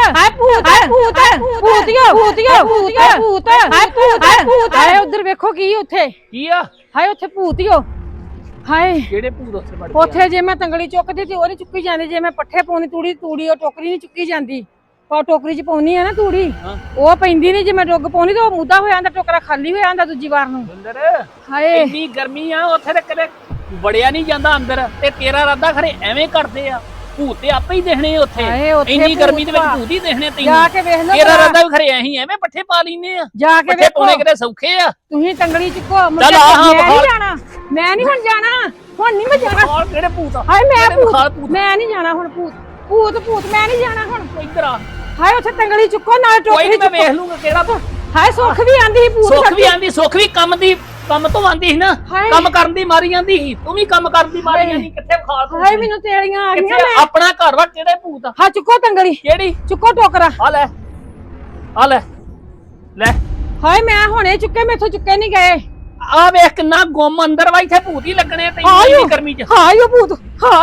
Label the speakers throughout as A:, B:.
A: ਹਾਏ ਭੂਤ ਭੂਤਿਓ ਭੂਤਿਓ ਭੂਤ ਹਾਏ ਭੂਤ ਹਾਏ ਉਧਰ ਵੇਖੋ ਕੀ ਉੱਥੇ
B: ਕੀ ਆ
A: ਹਾਏ ਉੱਥੇ ਭੂਤਿਓ ਹਾਏ
B: ਕਿਹੜੇ ਭੂਤ ਉੱਥੇ ਵੜ
A: ਉੱਥੇ ਜੇ ਮੈਂ ਤੰਗੜੀ ਚੁੱਕਦੀ ਤੇ ਉਹ ਨਹੀਂ ਚੁੱਕੀ ਜਾਂਦੀ ਜੇ ਮੈਂ ਪੱਠੇ ਪਾਉਣੀ ਤੂੜੀ ਉਹ ਟੋਕਰੀ ਨਹੀਂ ਚੁੱਕੀ ਜਾਂਦੀ ਪਾ ਟੋਕਰੀ 'ਚ ਪਾਉਣੀ ਆ ਨਾ ਤੂੜੀ ਉਹ ਪੈਂਦੀ ਨਹੀਂ ਜੇ ਮੈਂ ਡੁੱਗ ਪਾਉਣੀ ਤੇ ਉਹ ਮੁੱਦਾ ਹੋ ਜਾਂਦਾ ਟੋਕਰਾ ਖਾਲੀ ਹੋ ਜਾਂਦਾ ਦੂਜੀ ਵਾਰ ਨੂੰ
B: ਅੰਦਰ
A: ਹਾਏ
B: ਇੰਨੀ ਗਰਮੀ ਆ ਉੱਥੇ ਤੇ ਕਦੇ ਵੜਿਆ ਨਹੀਂ ਜਾਂਦਾ ਅੰਦਰ ਤੇ ਤੇਰਾ ਰਾਦਾ ਖਰੇ ਐਵੇਂ ਕਰਦੇ ਆ ਭੂਤ ਤੇ ਆਪੇ ਹੀ ਦੇਖਣੇ ਉੱਥੇ ਇੰਨੀ ਗਰਮੀ ਦੇ ਵਿੱਚ ਭੂਤ ਹੀ ਦੇਖਣੇ ਤੈਨੂੰ
A: ਜਾ ਕੇ ਵੇਖ ਲਓ
B: ਤੇਰਾ ਰਾਦਾ ਵੀ ਖਰੇ ਐਂ ਐਵੇਂ ਪੱਠੇ ਪਾ ਲੈਨੇ ਆ
A: ਜਾ ਕੇ
B: ਪੱਠੇ ਪਾਉਣੇ ਕਿਤੇ ਸੌਖੇ ਆ
A: ਤੁਸੀਂ ਤੰਗੜੀ ਚੁੱਕੋ
B: ਚੱਲ ਆਹ
A: ਮੈਂ ਨਹੀਂ ਹੁਣ ਜਾਣਾ ਹੁਣ ਨਹੀਂ ਮੈਂ ਜਾਣਾ
B: ਹਾਲ ਕਿਹੜੇ ਭੂਤ ਆ
A: ਹਾਏ ਮੈਂ ਨਹੀਂ ਜਾਣਾ ਹੁਣ ਭੂਤ ਮੈਂ ਨਹੀਂ ਜਾਣਾ ਹੁਣ
B: ਇੱਧਰ ਆ
A: ਹਾਏ ਉੱਥੇ ਤੰਗੜੀ ਚੁੱਕੋ ਨਾਲ ਟੋਕਰੀ
B: ਮੈਂ ਵੇਖ ਲੂੰਗਾ ਕਿਹੜਾ
A: ਹਾਏ ਸੁੱਖ ਵੀ ਆਂਦੀ ਸੀ
B: ਸੁੱਖ ਵੀ ਕੰਮ ਤੋਂ ਆਂਦੀ ਸੀ ਨਾ ਕੰਮ ਕਰਨ ਦੀ ਮਾਰੀ ਜਾਂਦੀ ਸੀ ਤੂੰ ਵੀ ਕੰਮ ਕਰਨ ਦੀ ਮਾਰੀ ਜਾਂਦੀ ਕਿੱਥੇ ਖਾ ਤੂੰ
A: ਹਾਏ ਮੈਨੂੰ ਤੇਰੀਆਂ ਆ ਗਈਆਂ ਮੈਂ
B: ਆਪਣਾ ਘਰ ਵਾ ਕਿਹੜੇ ਭੂਤ ਆ
A: ਹਾਂ ਚੁੱਕੋ ਤੰਗੜੀ
B: ਕਿਹੜੀ
A: ਚੁੱਕੋ ਟੋਕਰਾ
B: ਆ ਲੈ
A: ਹਾਏ ਮੈਂ ਹੁਣੇ ਚੁੱਕੇ ਮੈਥੋਂ ਚੁੱਕੇ ਨਹੀਂ ਗਏ
B: ਆ ਵੇਖ ਕਿੰਨਾ ਗੁੰਮ ਅੰਦਰ ਵਾ ਇੱਥੇ ਭੂਤ ਹੀ ਲੱਗਣੇ ਤੈਨੂੰ ਇੰਨੀ ਗਰਮੀ ਚ
A: ਹਾਏ ਭੂਤ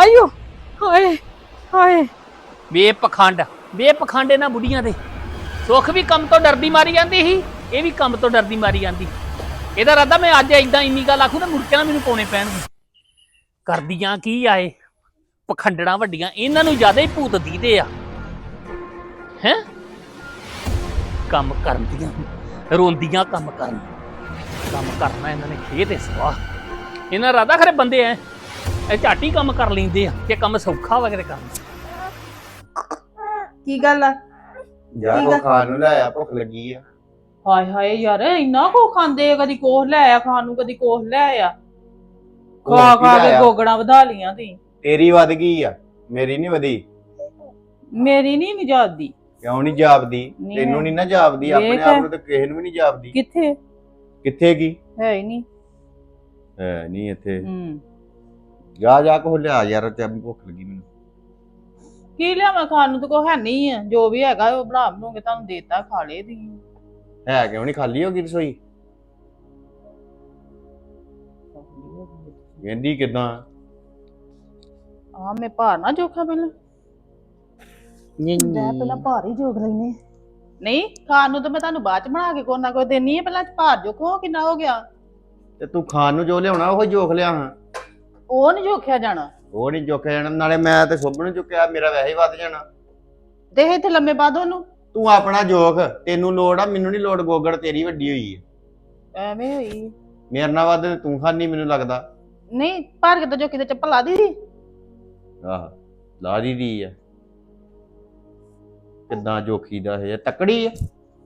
A: ਹਾਏ
B: ਬੇਪਖੰਡ ਇਹਨਾਂ ਬੁੱਢੀਆਂ ਦੇ ਸੁੱਖ ਵੀ ਕੰਮ ਤੋਂ ਡਰਦੀ ਮਾਰੀ ਜਾਂਦੀ ਸੀ ਇਹ ਵੀ ਕੰਮ ਤੋਂ ਡਰਦੀ ਮਾਰੀ ਜਾਂਦੀ ਇਹਦਾ ਰਾਦਾ ਮੈਂ ਅੱਜ ਏਦਾਂ ਇੰਨੀ ਗੱਲ ਆਖੂ ਤਾਂ ਮੁਰਕਿਆਂ ਮੈਨੂੰ ਪਾਉਣੇ ਪੈਣਗੇ ਕਰਦੀਆਂ ਕੀ ਆਏ ਪਖੰਡੜਾਂ ਵੱਡੀਆਂ ਇਹਨਾਂ ਨੂੰ ਜ਼ਿਆਦਾ ਹੀ ਭੂਤ ਦੀਦੇ ਆ ਹੈ ਕੰਮ ਕਰਦੀਆਂ ਰੋਂਦੀਆਂ ਕੰਮ ਕਰਨਾ ਇਹਨਾਂ ਨੇ ਖੇਤ ਤੇ ਸਵਾ ਇਹਨਾਂ ਰਾਦਾ ਖਰੇ ਬੰਦੇ ਐ ਇਹ ਝਾਟੀ ਕੰਮ ਕਰ ਲੈਂਦੇ ਆ ਕਿ ਕੰਮ ਸੌਖਾ ਵਗੈਰੇ ਕਰਨਾ
C: ਕੀ ਗੱਲ ਆ
D: ਯਾਰ ਕੋ ਖਾਣ ਨੂੰ ਲਾਇਆ ਭੁੱਖ ਲੱਗੀ ਆ
C: ਹਾਏ ਯਾਰ ਇੰਨਾ ਕੋ ਖਾਂਦੇ ਕਦੀ ਕੋਹ ਲੈ ਆ ਖਾਣ ਨੂੰ ਕਦੀ ਕੋਹ ਲੈ ਆ ਖਾ ਕੇ ਗੋਗੜਾਂ ਵਧਾ ਲੀਆਂ ਤੀ
D: ਤੇਰੀ ਵੱਧ ਗਈ ਆ ਮੇਰੀ ਨਹੀਂ ਵਧੀ
C: ਮੇਰੀ ਨਹੀਂ ਜਾਪਦੀ
D: ਕਿਉਂ ਨਹੀਂ ਜਾਪਦੀ ਤੈਨੂੰ ਨਹੀਂ ਨਾ ਜਾਪਦੀ ਆਪਣੇ ਆਪ ਨੂੰ ਤਾਂ ਕਿਸੇ ਨੂੰ ਵੀ ਨਹੀਂ ਜਾਪਦੀ ਕਿੱਥੇ ਕੀ
C: ਹੈ ਹੀ ਨਹੀਂ
D: ਹੈ ਨਹੀਂ ਇੱਥੇ ਜਾ ਕੋ ਲਿਆ ਯਾਰ ਤੇ ਭੁੱਖ ਲੱਗੀ ਮੈਨੂੰ
C: ਕੀ ਲਿਆਵਾਂ ਖਾਣ ਨੂੰ ਤਾਂ ਕੋ ਹੈ ਨਹੀਂ ਆ ਜੋ ਵੀ ਹੈਗਾ ਉਹ ਬਣਾ ਬਣੂਗੇ ਤੁਹਾਨੂੰ ਦੇਤਾ ਖਾ ਲੇ ਦੀ
D: ਹੈ ਕਿਉਂ ਨਹੀਂ ਖਾਲੀ ਹੋ ਗਈ ਰਸੋਈ ਕਹਿੰਦੀ ਕਿਦਾਂ
C: ਆ ਮੈਂ ਭਾਰ ਨਾ ਜੋਖਾਂ ਪਹਿਲਾਂ ਪਹਿਲਾਂ ਭਾਰ ਹੀ ਜੋਗ ਲੈਨੇ ਨਹੀਂ ਖਾਣ ਨੂੰ ਤਾਂ ਮੈਂ ਤੁਹਾਨੂੰ ਬਾਅਦ ਚ ਬਣਾ ਕੇ ਕੋਈ ਨਾ ਕੋਈ ਦੇਣੀ ਹੈ ਪਹਿਲਾਂ ਭਾਰ ਜੋਖੋ ਕਿੰਨਾ ਹੋ ਗਿਆ
D: ਤੇ ਤੂੰ ਖਾਣ ਨੂੰ ਜੋ ਲਿਆਉਣਾ ਉਹ ਜੋਖ ਲਿਆ ਹਾਂ
C: ਉਹ ਨਹੀਂ ਜੋਖਿਆ ਜਾਣਾ
D: ਉਹ ਨਹੀਂ ਜੋਖਿਆ ਜਾਣਾ ਨਾਲੇ ਮੈਂ ਤੇ ਸੁੱਭ ਨੂੰ ਚੁੱਕਿਆ ਮੇਰਾ ਵੈਸੇ ਹੀ ਵੱਧ ਜਾਣਾ
C: ਤੇ ਇੱਥੇ ਲੰਮੇ ਪਾ ਦੋ ਉਹਨੂੰ
D: ਤੂੰ ਆਪਣਾ ਜੋਖ ਤੈਨੂੰ ਲੋੜ ਆ ਮੈਨੂੰ ਨਹੀਂ ਲੋੜ ਗੋਗੜ ਤੇਰੀ ਵੱਡੀ ਹੋਈ ਹੈ
C: ਐਵੇਂ ਹੋਈ
D: ਮੇਰੇ ਨਾਲ ਵੱਧ ਤੂੰ ਖਾਣੀ ਮੈਨੂੰ ਲੱਗਦਾ
C: ਨਹੀਂ ਭਾਰ ਕਿਤੇ ਜੋ ਕਿਤੇ ਚੱਪਲ ਲਾ ਦੀ
D: ਆਹ ਲਾ ਦੀ ਆ ਕਿੱਦਾਂ ਜੋਖੀ ਦਾ ਹੈ ਤਕੜੀ ਆ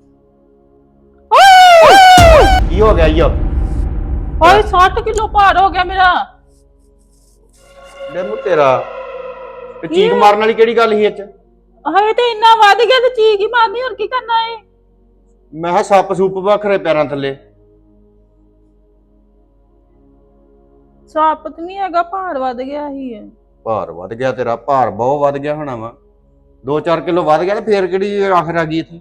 D: ਕੀ ਹੋ ਗਿਆ ਯੋ
C: ਓਏ 60 ਕਿਲੋ ਭਾਰ ਹੋ ਗਿਆ ਮੇਰਾ
D: ਲੈ ਮੂੰ ਤੇਰਾ ਤੇ ਚੀਕ ਮਾਰਨ ਵਾਲੀ ਕਿਹੜੀ ਗੱਲ ਸੀ ਇੱਥੇ
C: ਹਾਏ ਤੇ ਇੰਨਾ ਵੱਧ ਗਿਆ ਤੇ ਚੀਕ ਹੀ ਮਾਰਨੀ ਹੋਰ ਕੀ ਕਰਨਾ ਏ
D: ਮੈਂ ਕਿਹਾ ਸੱਪ ਸੂਪ ਵੱਖਰੇ ਪੈਰਾਂ ਥੱਲੇ
C: ਸੱਪ ਤੇ ਨਹੀਂ ਹੈਗਾ ਭਾਰ ਵੱਧ ਗਿਆ ਹੀ ਹੈ
D: ਭਾਰ ਵੱਧ ਗਿਆ ਤੇਰਾ ਭਾਰ ਬਹੁਤ ਵੱਧ ਗਿਆ ਹੋਣਾ ਵਾ 2-4 ਕਿਲੋ ਵੱਧ ਗਿਆ ਤੇ ਫੇਰ ਕਿਹੜੀ ਆਖਰ ਆ ਗਈ ਇੱਥੇ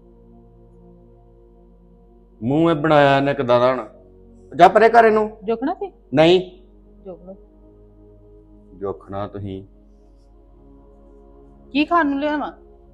D: ਮੂੰਹ ਇਹ ਬਣਾਇਆ ਇਹਨੇ ਕਿਦਾਂ ਦਾ ਹਣਾ ਜਾ ਪਰੇ ਕਰ ਇਹਨੂੰ
C: ਜੋਖਣਾ ਸੀ
D: ਨਹੀਂ
C: ਜੋਖ ਲੋ
D: ਜੋਖਣਾ ਤੁਸੀਂ
C: ਕੀ ਖਾਣ ਨੂੰ ਲਿਆਵਾਂ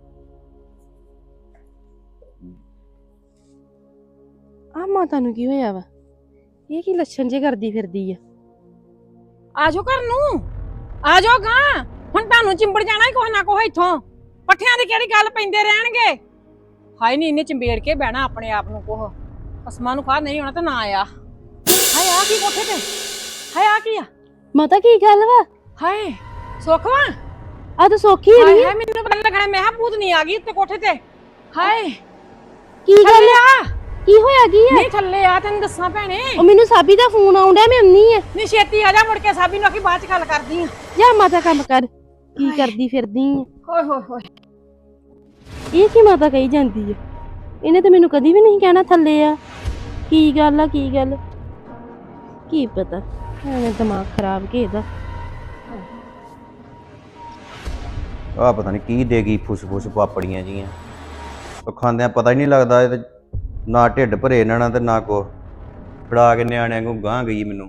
E: ਆ ਮਾਤਾ ਨੂੰ ਕੀ ਹੋਇਆ ਵਾ ਇਹ ਕੀ ਲੱਛਣ ਜੇ ਕਰਦੀ ਫਿਰਦੀ ਆ
A: ਆਜੋ ਘਰ ਨੂੰ ਆਜੋ ਗਾਂ ਹੁਣ ਤੁਹਾਨੂੰ ਚਿੰਬੜ ਜਾਣਾ ਹੀ ਕੋਹ ਨਾ ਕੋਹ ਇੱਥੋਂ ਪੱਠਿਆਂ ਦੀ ਕਿਹੜੀ ਗੱਲ ਪੈਂਦੇ ਰਹਿਣਗੇ ਹਾਏ ਨਹੀਂ ਇਹਨੇ ਚਿੰਬੇੜ ਕੇ ਬਹਿਣਾ ਆਪਣੇ ਆਪ ਨੂੰ ਕੋਹ ਕਸਮਾਂ ਨੂੰ ਖਾ ਨਹੀਂ ਹੋਣਾ ਤਾਂ ਨਾ ਆਇਆ ਹਾਏ ਆ ਕੀ ਕੋਠੇ ਤੇ ਹਾਏ ਆ ਕੀ ਆ
E: ਮਾਤਾ ਕੀ ਗੱਲ ਵਾ
A: ਹਾਏ ਸੁੱਖਵਾ
E: ਆ ਤਾਂ ਸੌਖੀ ਨਹੀਂ
A: ਹਾਏ ਮੈਨੂੰ ਪਤਾ ਲੱਗਣਾ ਮੈਂ ਹਾਂ ਭੂਤ ਨਹੀਂ ਆ ਗਈ ਉੱਤੇ ਕੋਠੇ ਤੇ ਹਾਏ
E: ਕੀ ਗੱਲ
A: ਆ
E: ਕੀ ਹੋਇਆ ਕੀ ਹੈ
A: ਨਹੀਂ ਥੱਲੇ ਆ ਤੈਨੂੰ ਦੱਸਾਂ ਭੈਣੇ
E: ਉਹ ਮੈਨੂੰ ਸਾਬੀ ਦਾ ਫੋਨ ਆਉਂਦਾ ਮੈਂ ਅੰਨੀ ਆ
A: ਨਹੀਂ ਛੇਤੀ ਆ ਜਾ ਮੁੜ ਕੇ ਸਾਬੀ ਨੂੰ ਆਖੀ ਬਾਅਦ ਚ ਗੱਲ ਕਰਦੀ ਆ
E: ਜਾ ਮਾਤਾ ਕੰਮ ਕਰ ਕੀ ਕਰਦੀ ਫਿਰਦੀ ਆ
A: ਹੋਏ ਹੋਏ ਹੋਏ
E: ਇਹ ਕੀ ਮਾਤਾ ਕਹੀ ਜਾਂਦੀ ਆ ਇਹਨੇ ਤਾਂ ਮੈਨੂੰ ਕਦੀ ਵੀ ਨਹੀਂ ਕਹਿਣਾ ਥੱਲੇ ਆ ਕੀ ਗੱਲ ਆ ਕੀ ਗੱਲ ਕੀ ਪਤਾ ਐਵੇਂ ਦਿਮਾਗ ਖਰਾਬ ਕੇ ਇਹਦਾ
D: ਆ ਪਤਾ ਨਹੀਂ ਕੀ ਦੇ ਗਈ ਫੁੱਸ ਪਾਪੜੀਆਂ ਜੀਆਂ ਉਹ ਖਾਂਦਿਆਂ ਪਤਾ ਹੀ ਨਹੀਂ ਲੱਗਦਾ ਇਹ ਨਾ ਢਿੱਡ ਭਰੇ ਇਹਨਾਂ ਨਾਲ ਤੇ ਨਾ ਕੋ ਫੜਾ ਕੇ ਨਿਆਣਿਆਂ ਨੂੰ ਗਾਂ ਗਈ ਮੈਨੂੰ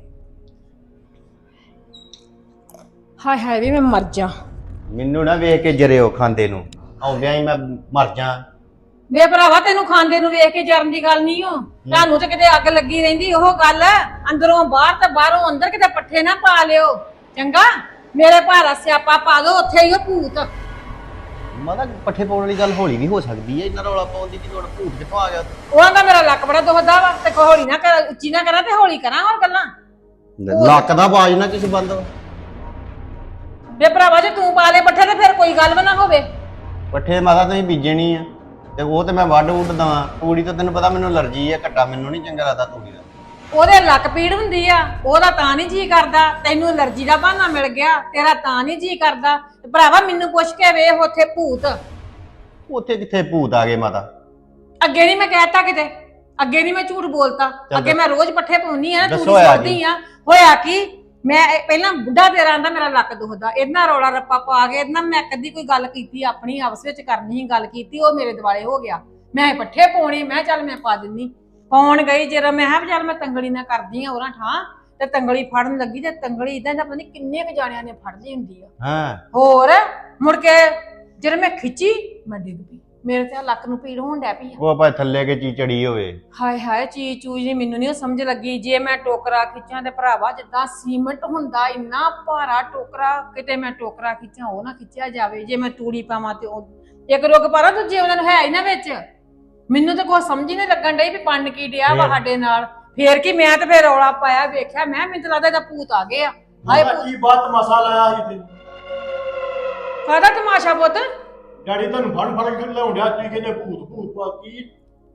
A: ਹਾਏ ਹਾਏ ਵੀ ਮੈਂ ਮਰ ਜਾ
D: ਮੈਨੂੰ ਨਾ ਵੇਖ ਕੇ ਜਰਿਓ ਖਾਂਦੇ ਨੂੰ ਆਉਂਦਿਆਂ ਹੀ ਮੈਂ ਮਰ ਜਾ।
A: ਵੇ ਭਰਾਵਾ ਤੈਨੂੰ ਖਾਂਦੇ ਨੂੰ ਵੇਖ ਕੇ ਜਰਨ ਦੀ ਗੱਲ ਨਹੀਂ ਹੋ। ਤੁਹਾਨੂੰ ਤੇ ਕਿਤੇ ਅੱਗ ਲੱਗੀ ਰਹਿੰਦੀ ਉਹ ਗੱਲ, ਅੰਦਰੋਂ ਬਾਹਰ ਤੇ ਬਾਹਰੋਂ ਅੰਦਰ, ਕਿਤੇ ਪੱਠੇ ਨਾ ਪਾ ਲਿਓ ਚੰਗਾ। ਮੇਰੇ ਭਾਰਾ ਸਿਆਪਾ ਪਾ ਦੋ ਉੱਥੇ ਹੀ ਉਹ ਭੂਤ।
D: ਮਾਤਾ ਪੱਠੇ ਪਾਉਣ ਵਾਲੀ ਗੱਲ ਹੌਲੀ ਵੀ ਹੋ ਸਕਦੀ ਹੈ, ਇੰਨਾ ਰੌਲਾ ਪਾਉਣ ਦੀ ਕੀ ਲੋੜ, ਭੂਤ ਕਿੱਥੋਂ ਆ ਗਿਆ?
A: ਉਹ ਆਂਦਾ ਮੇਰਾ ਲੱਕ ਬੜਾ ਦੁਖਦਾ ਵਾ ਤੇ ਹੌਲੀ ਨਾ ਕਰ, ਉੱਚੀ ਨਾ ਕਰਾਂ ਤੇ ਹੌਲੀ ਕਰਾਂ ਹੋਰ ਗੱਲਾਂ।
D: ਲੱਕ ਦਾ ਆਵਾਜ਼ ਨਾ ਕਿਸੇ ਬੰਦ।
A: ਵੇ ਭਰਾਵਾ ਜੇ ਤੂੰ ਪਾ ਲੈ ਪੱਠੇ ਤੇ ਫਿਰ ਕੋਈ ਗੱਲ ਵੀ ਨਾ ਹੋਵੇ।
D: ਪੱਠੇ ਮਾਤਾ ਤੁਸੀਂ ਬੀਜੇ ਨਹੀਂ ਆ ਤੇ ਉਹ ਤੇ ਮੈਂ ਵੱਢ ਵੁੱਢ ਦਵਾਂ। ਤੂੜੀ ਤਾਂ ਤੈਨੂੰ ਪਤਾ ਮੈਨੂੰ ਅਲਰਜੀ ਆ, ਘੱਟਾ ਮੈਨੂੰ ਨਹੀਂ ਚੰਗਾ ਲੱਗਦਾ ਤੂੜੀ ਦਾ।
A: ਉਹਦੇ ਲੱਕ ਪੀੜ ਹੁੰਦੀ ਆ, ਉਹਦਾ ਤਾਂ ਨਹੀਂ ਜੀ ਕਰਦਾ। ਤੈਨੂੰ ਅਲਰਜੀ ਦਾ ਬਹਾਨਾ ਮਿਲ ਗਿਆ, ਤੇਰਾ ਤਾਂ ਨਹੀਂ ਜੀ ਕਰਦਾ। ਤੇ ਭਰਾਵਾ ਮੈਨੂੰ ਪੁੱਛ ਕੇ ਵੇਖ ਉੱਥੇ ਭੂਤ।
D: ਉੱਥੇ ਕਿੱਥੇ ਭੂਤ ਆ ਗਏ ਮਾਤਾ?
A: ਅੱਗੇ ਨਹੀਂ ਮੈਂ ਕਹਿਤਾ ਕਿਤੇ, ਅੱਗੇ ਨਹੀਂ ਮੈਂ ਝੂਠ ਬੋਲਤਾ। ਅੱਗੇ ਮੈਂ ਰੋਜ਼ ਪੱਠੇ ਪਾਉਣੀ ਆ,
D: ਦੱਸੋ
A: ਤੂੜੀ
D: ਹੋਇਆ
A: ਸੁੱਟਦੀ ਆ। ਹੋਇਆ ਕੀ, ਮੈਂ ਪਹਿਲਾਂ ਬੁੱਢਾ ਤੇਰਾ ਆਂਦਾ ਮੇਰਾ ਲੱਕ ਦੁਖਦਾ, ਇਹਨਾਂ ਰੌਲਾ ਰੱਪਾ ਪਾ ਕੇ ਇਹਨਾਂ ਮੈਂ ਕਦੀ ਕੋਈ ਗੱਲ ਕੀਤੀ ਆਪਣੀ ਆਪਸ ਵਿੱਚ ਕਰਨੀ ਸੀ, ਗੱਲ ਕੀਤੀ ਉਹ ਮੇਰੇ ਦਿਵਾਲੇ ਹੋ ਗਿਆ। ਮੈਂ ਪੱਠੇ ਪਾਉਣੇ, ਮੈਂ ਚੱਲ ਮੈਂ ਪਾ ਦਿੰਨੀ। ਪਾਉਣ ਗਈ ਜਦੋਂ ਮੈਂ ਕਿਹਾ ਚੱਲ ਮੈਂ ਤੰਗਲੀ ਨਾ ਕਰਦੀ ਆ ਉਹਨਾਂ ਠਾਂ, ਤੇ ਤੰਗਲੀ ਫੜਨ ਲੱਗੀ ਤੇ ਤੰਗਲੀ ਇਦਾਂ ਦਾ ਪਤਾ ਨਹੀਂ ਕਿੰਨੇ ਕੁ ਜਾਣਿਆਂ ਨੇ ਫੜ ਲਈ ਹੁੰਦੀ ਆ।
D: ਹਾਂ
A: ਹੋਰ ਮੁੜ ਕੇ ਜਦੋਂ ਮੈਂ ਖਿੱਚੀ ਮੈਂ ਡਿੱਗ ਪਈ, ਮੇਰੇ ਤੇ ਲੱਕ ਨੂੰ ਪੀੜ ਹੋਣ ਡੈ ਪਈ ਆ।
D: ਉਹ ਆਪਾਂ ਥੱਲੇ ਕੇ ਚੀਚੜੀ ਹੋਵੇ।
A: ਹਾਏ ਹਾਏ ਚੀਜ਼ ਚੂਜ ਨਹੀਂ ਮੈਨੂੰ ਨਹੀਂ ਸਮਝ ਲੱਗੀ। ਜੇ ਮੈਂ ਟੋਕਰਾ ਖਿੱਚਾਂ ਤੇ ਭਰਾਵਾ ਜਿੱਦਾਂ ਸੀਮੈਂਟ ਹੁੰਦਾ ਇੰਨਾ ਭਾਰਾ ਟੋਕਰਾ, ਕਿਤੇ ਮੈਂ ਟੋਕਰਾ ਖਿੱਚਾਂ ਉਹ ਨਾ ਖਿੱਚਿਆ ਜਾਵੇ। ਜੇ ਮੈਂ ਤੂੜੀ ਪਾਵਾਂ ਤੇ ਉਹ ਇੱਕ ਰੁੱਗ ਪਾਰਾ ਦੂਜੇ ਉਹਨਾਂ ਨੂੰ ਹੈ ਹੀ ਨਾ ਵਿੱਚ। ਮੈਨੂੰ ਤਾਂ ਕੋਈ ਸਮਝ ਹੀ ਨਹੀਂ ਲੱਗਣ ਡਈ ਵੀ ਪੰਨ ਕੀ ਡਿਆ ਵਾ ਸਾਡੇ ਨਾਲ। ਫੇਰ ਕੀ ਮੈਂ ਤੇ ਫੇਰ ਰੌਲਾ ਪਾਇਆ, ਵੇਖਿਆ ਮੈਨੂੰ ਤਾਂ ਲੱਗਦਾ ਇਹਦਾ ਭੂਤ ਆ ਗਏ ਆ। ਹਾਏ
F: ਕੀ ਬਾਤ ਤਮਾਸ਼ਾ ਲਾਇਆ ਸੀ ਤੇ
A: ਕਾਹਦਾ ਤਮਾਸ਼ਾ ਪੁੱਤ?
F: ਡੈਡੀ ਤੁਹਾਨੂੰ ਫੜ ਕੇ ਲਿਆਉਣ ਡਿਆ, ਤੁਸੀਂ ਕਹਿੰਦੇ ਭੂਤ ਭੂਤ ਪਾ ਕੀ?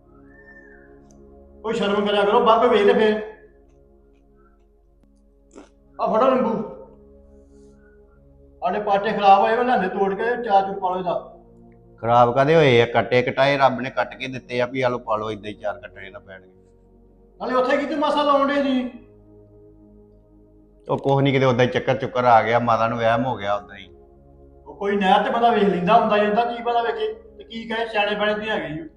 F: ਕੋਈ ਸ਼ਰਮ ਕਰਿਆ ਕਰੋ, ਬਾਅਦ ਵਿੱਚ ਵੇਖ ਲੈ ਫੇਰ। ਆ ਫੜੋ ਨਿੰਬੂ, ਆਡੇ ਪਾਟੇ ਖਰਾਬ ਹੋਏ ਉਹਨਾਂ ਨੇ ਤੋੜ ਕੇ ਚਾਰ ਚੂਰ ਪਾ ਲਓ ਇਹਦਾ।
D: ਖਰਾਬ ਕਾਦੇ ਹੋਏ ਆ? ਕੱਟੇ ਕਟਾਏ ਰੱਬ ਨੇ ਕੱਟ ਕੇ ਦਿੱਤੇ ਆ ਵੀ ਆਲੋ ਪਾ ਲਓ, ਇਦਾਂ ਹੀ ਚਾਰ ਕੱਟਣੇ ਨਾ ਪੈਣਗੇ।
F: ਨਾਲੇ ਉੱਥੇ ਕਿਤੇ ਮਾਸਾ ਲਾਉਣ ਡੇ ਜੀ?
D: ਉਹ ਕੁਛ ਨਹੀਂ, ਕਿਤੇ ਉਦਾਂ ਹੀ ਚੱਕਰ ਚੁੱਕਰ ਆ ਗਿਆ, ਮਾਤਾ ਨੂੰ ਵਹਿਮ ਹੋ ਗਿਆ ਉਦਾਂ ਹੀ।
F: ਉਹ ਕੋਈ ਨਹਿਰ ਤੇ ਬੰਦਾ ਵੇਖ ਲੈਂਦਾ ਹੁੰਦਾ ਜਾਂਦਾ, ਕੀ ਪਤਾ ਵੇਖੇ ਤੇ ਕੀ ਕਹੇ, ਸਿਆਣੇ ਬਣੇ ਤੇ ਹੈਗੇ ਜੀ।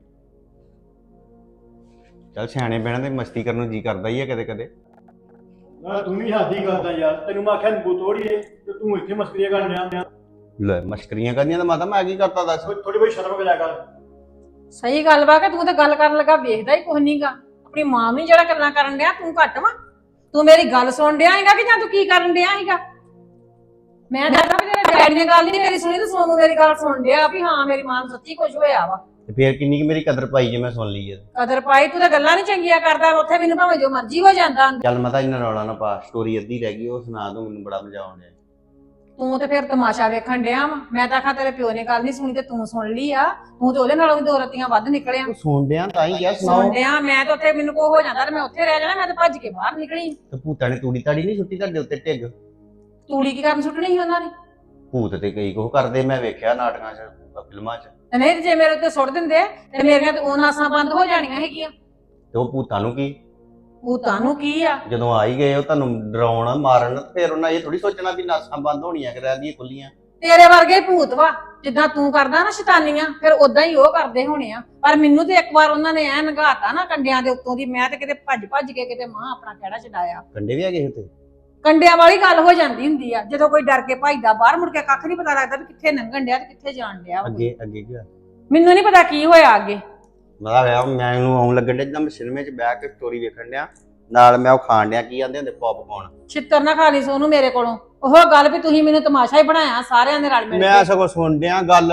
D: ਚੱਲ ਸਿਆਣੇ ਬਹਿਣ ਤੇ ਮਸਤੀ ਕਰਨ ਨੂੰ ਜੀ ਕਰਦਾ ਹੀ ਆ ਕਦੇ ਕਦੇ।
F: ਨਾਲੇ ਤੂੰ ਵੀ ਹੱਦ ਹੀ ਕਰਦਾ ਯਾਰ, ਤੈਨੂੰ ਮੈਂ ਆਖਿਆ ਨਿੰਬੂ ਤੋੜੀਏ ਤੇ ਤੂੰ ਇੱਥੇ ਮਸਕਰੀਆਂ ਕਰਨ ਡਿਆ।
D: ਲੈ ਮਸ਼ਕਰੀਆਂ ਕਰਨੀਆਂ ਤਾਂ ਮਾਤਾ ਮੈਂ ਕੀ ਕਰਤਾ ਦੱਸ?
F: ਥੋੜੀ ਬਹੁਤੀ ਸ਼ਰਮ ਕਰਿਆ ਕਰ।
A: ਸਹੀ ਗੱਲ ਵਾ ਕਿ ਤੂੰ ਤੇ ਗੱਲ ਕਰਨ ਲੱਗਾ ਵੇਖਦਾ ਹੀ ਕੁਛ ਨਹੀਂਗਾ। ਆਪਣੀ ਮਾਂ ਨੂੰ ਜਿਹੜਾ ਗੱਲਾਂ ਕਰਨ ਡਿਆ ਤੂੰ ਘੱਟ ਵਾ। ਤੂੰ ਮੇਰੀ ਗੱਲ ਸੁਣ ਡਿਆ ਹੈਗਾ ਕਿ ਜਾਂ ਤੂੰ ਕੀ ਕਰਨ ਡਿਆ ਹੈਗਾ? ਮੈਂ ਦੱਸਦਾ ਵੀ ਤੇਰੇ ਡੈਡੀ ਨੇ ਗੱਲ ਨਹੀਂ ਮੇਰੀ ਸੁਣੀ ਤੇ ਸੋਨੂੰ ਮੇਰੀ ਗੱਲ ਸੁਣ ਡਿਆ ਵੀ ਹਾਂ ਮੇਰੀ ਮਾਂ ਨੂੰ ਸੱਚੀ ਕੁਝ ਹੋਇਆ ਵਾ।
D: ਤੇ ਫੇਰ ਕਿੰਨੀ ਕਿ ਮੇਰੀ ਕਦਰ ਪਾਈ ਜੇ ਮੈਂ ਸੁਣ ਲਈ ਹੈ।
A: ਕਦਰ ਪਾਈ ਤੂੰ ਤਾਂ ਗੱਲਾਂ ਨਹੀਂ ਚੰਗੀਆਂ ਕਰਦਾ, ਉੱਥੇ ਮੈਨੂੰ ਭਾਵੇਂ ਜੋ ਮਰਜ਼ੀ ਹੋ ਜਾਂਦਾ।
D: ਚੱਲ ਮਾਤਾ ਇਹਨਾਂ ਰੌਲਾ ਨਾ ਪਾ, ਸਟੋਰੀ ਅੱਧੀ ਰਹਿ ਗਈ ਉਹ ਸੁਣਾ ਦੂੰ, ਮੈਨੂੰ ਬੜਾ ਮਜ਼ਾ ਆਉਣ ਡਿਆ।
A: ਤੂੰ ਤੇ ਫਿਰ ਤਮਾਸ਼ਾ ਵੇਖਣ ਡਿਆ ਵਾ। ਮੈਂ ਤਾਂ ਆਖਾਂ ਤੇਰੇ ਪਿਓ ਨੇ ਗੱਲ ਨਹੀਂ ਸੁਣੀ ਤੇ ਤੂੰ ਸੁਣ ਲਈ ਆ। ਤੂੰ ਤੇ ਉਹਦੇ ਨਾਲੋਂ ਵੀ ਦੋ ਰਤੀਆਂ ਵੱਧ ਨਿਕਲਿਆ।
D: ਤੂੰ ਸੁਣ ਡਿਆ ਤਾਂ ਹੀ ਕਿਹਾ ਸੁਣਾਓ।
A: ਸੁਣ ਡਿਆ ਮੈਂ ਤਾਂ ਉੱਥੇ ਮੈਨੂੰ ਕੋ ਹੋ ਜਾਂਦਾ ਤੇ ਮੈਂ ਉੱਥੇ ਰਹਿ ਜਾਣਾ, ਮੈਂ ਤਾਂ ਭੱਜ ਕੇ ਬਾਹਰ ਨਿਕਲੀ।
D: ਤੇ ਭੂਤਾਂ ਨੇ ਤੂੜੀ ਤਾੜੀ ਨਹੀਂ ਸੁੱਟੀ ਤੁਹਾਡੇ ਉੱਤੇ ਢਿੱਗ?
A: ਤੂੜੀ ਕੀ ਕਰਨ ਸੁੱਟਣੀ ਸੀ ਉਹਨਾਂ ਨੇ?
D: ਭੂਤ ਤੇ ਕਈ ਕੁਛ ਕਰਦੇ ਮੈਂ ਵੇਖਿਆ ਨਾਟਕਾਂ 'ਚ, ਫਿਲਮਾਂ 'ਚ।
A: ਤੇ ਨਹੀਂ ਤੇ ਜੇ ਮੇਰੇ ਉੱਤੇ ਸੁੱਟ ਦਿੰਦੇ ਤੇ ਮੇਰੀਆਂ ਤੇ ਉਹ ਨਾਸਾਂ ਬੰਦ ਹੋ ਜਾਣੀਆਂ ਹੈਗੀਆਂ।
D: ਤੇ ਉਹ ਭੂਤਾਂ ਨੂੰ ਕੀ,
A: ਭੂਤਾਂ ਨੂੰ ਕੀ ਆ?
D: ਜਦੋਂ ਆ ਹੀ ਗਏ ਉਹ ਤੁਹਾਨੂੰ ਡਰਾਉਣ ਮਾਰਨ, ਫਿਰ ਉਹਨਾਂ ਇਹ ਥੋੜੀ ਸੋਚਣਾ ਵੀ ਨਾਸਾਂ ਬੰਦ ਹੋਣੀਆਂ ਕਿ ਰਹਿੰਦੀਆਂ ਖੁੱਲੀਆਂ।
A: ਤੇਰੇ ਵਰਗੇ ਭੂਤ ਵਾ, ਜਿੱਦਾਂ ਤੂੰ ਕਰਦਾ ਨਾ ਸ਼ੈਤਾਨੀਆਂ ਫਿਰ ਉਦਾਂ ਹੀ ਉਹ ਕਰਦੇ ਹੋਣੇ ਆ। ਪਰ ਮੈਨੂੰ ਤੇ ਇੱਕ ਵਾਰ ਉਹਨਾਂ ਨੇ ਐ ਨਗਾਤਾ ਨਾ ਕੰਡਿਆਂ ਦੇ ਉੱਤੋਂ ਦੀ, ਮੈਂ ਤੇ ਕਿਤੇ ਭੱਜ ਕੇ ਕਿਤੇ ਮਾਂ ਆਪਣਾ ਕਿਹੜਾ ਛਡਾਇਆ।
D: ਕੰਡੇ ਵੀ ਹੈਗੇ ਉੱਤੇ?
A: ਕੰਡਿਆਂ ਵਾਲੀ ਗੱਲ ਹੋ ਜਾਂਦੀ ਹੁੰਦੀ ਆ ਜਦੋਂ ਕੋਈ ਡਰ ਕੇ ਭੱਜਦਾ ਬਾਹਰ, ਮੁੜ ਕੇ ਕੱਖ ਨਹੀਂ ਪਤਾ ਲੱਗਦਾ ਵੀ ਕਿੱਥੇ ਲੰਘਣ ਡਿਆ ਤੇ ਕਿੱਥੇ ਜਾਣ ਡਿਆ।
D: ਅੱਗੇ ਅੱਗੇ ਕੀ ਹੋਇਆ?
A: ਮੈਨੂੰ ਨਹੀਂ ਪਤਾ ਕੀ ਹੋਇਆ ਅੱਗੇ।
D: ਮੈਨੂੰ ਆਉਣ ਲੱਗਣ ਡਿਆ ਜਿੱਦਾਂ ਮੈਂ ਸਿਨੇਮੇ 'ਚ ਬਹਿ ਕੇ ਸਟੋਰੀ ਵੇਖਣ ਡਿਆ, ਨਾਲ ਮੈਂ ਉਹ ਖਾਣ ਡਿਆ, ਕੀ ਆਂਦੇ ਹੁੰਦੇ, ਪੌਪਕੌਰਨ।
A: ਛਿੱਤਰ ਨਾ ਖਾ ਲਈ ਸੋਨੂੰ ਮੇਰੇ ਕੋਲੋਂ। ਉਹ ਗੱਲ ਵੀ ਤੁਸੀਂ ਮੈਨੂੰ ਤਮਾਸ਼ਾ ਹੀ ਬਣਾਇਆ ਸਾਰਿਆਂ ਦੇ ਰਲ ਮਿਲ
D: ਮੈਂ
A: ਕੇ।
D: ਸਗੋਂ ਸੁਣ ਡਿਆ ਗੱਲ।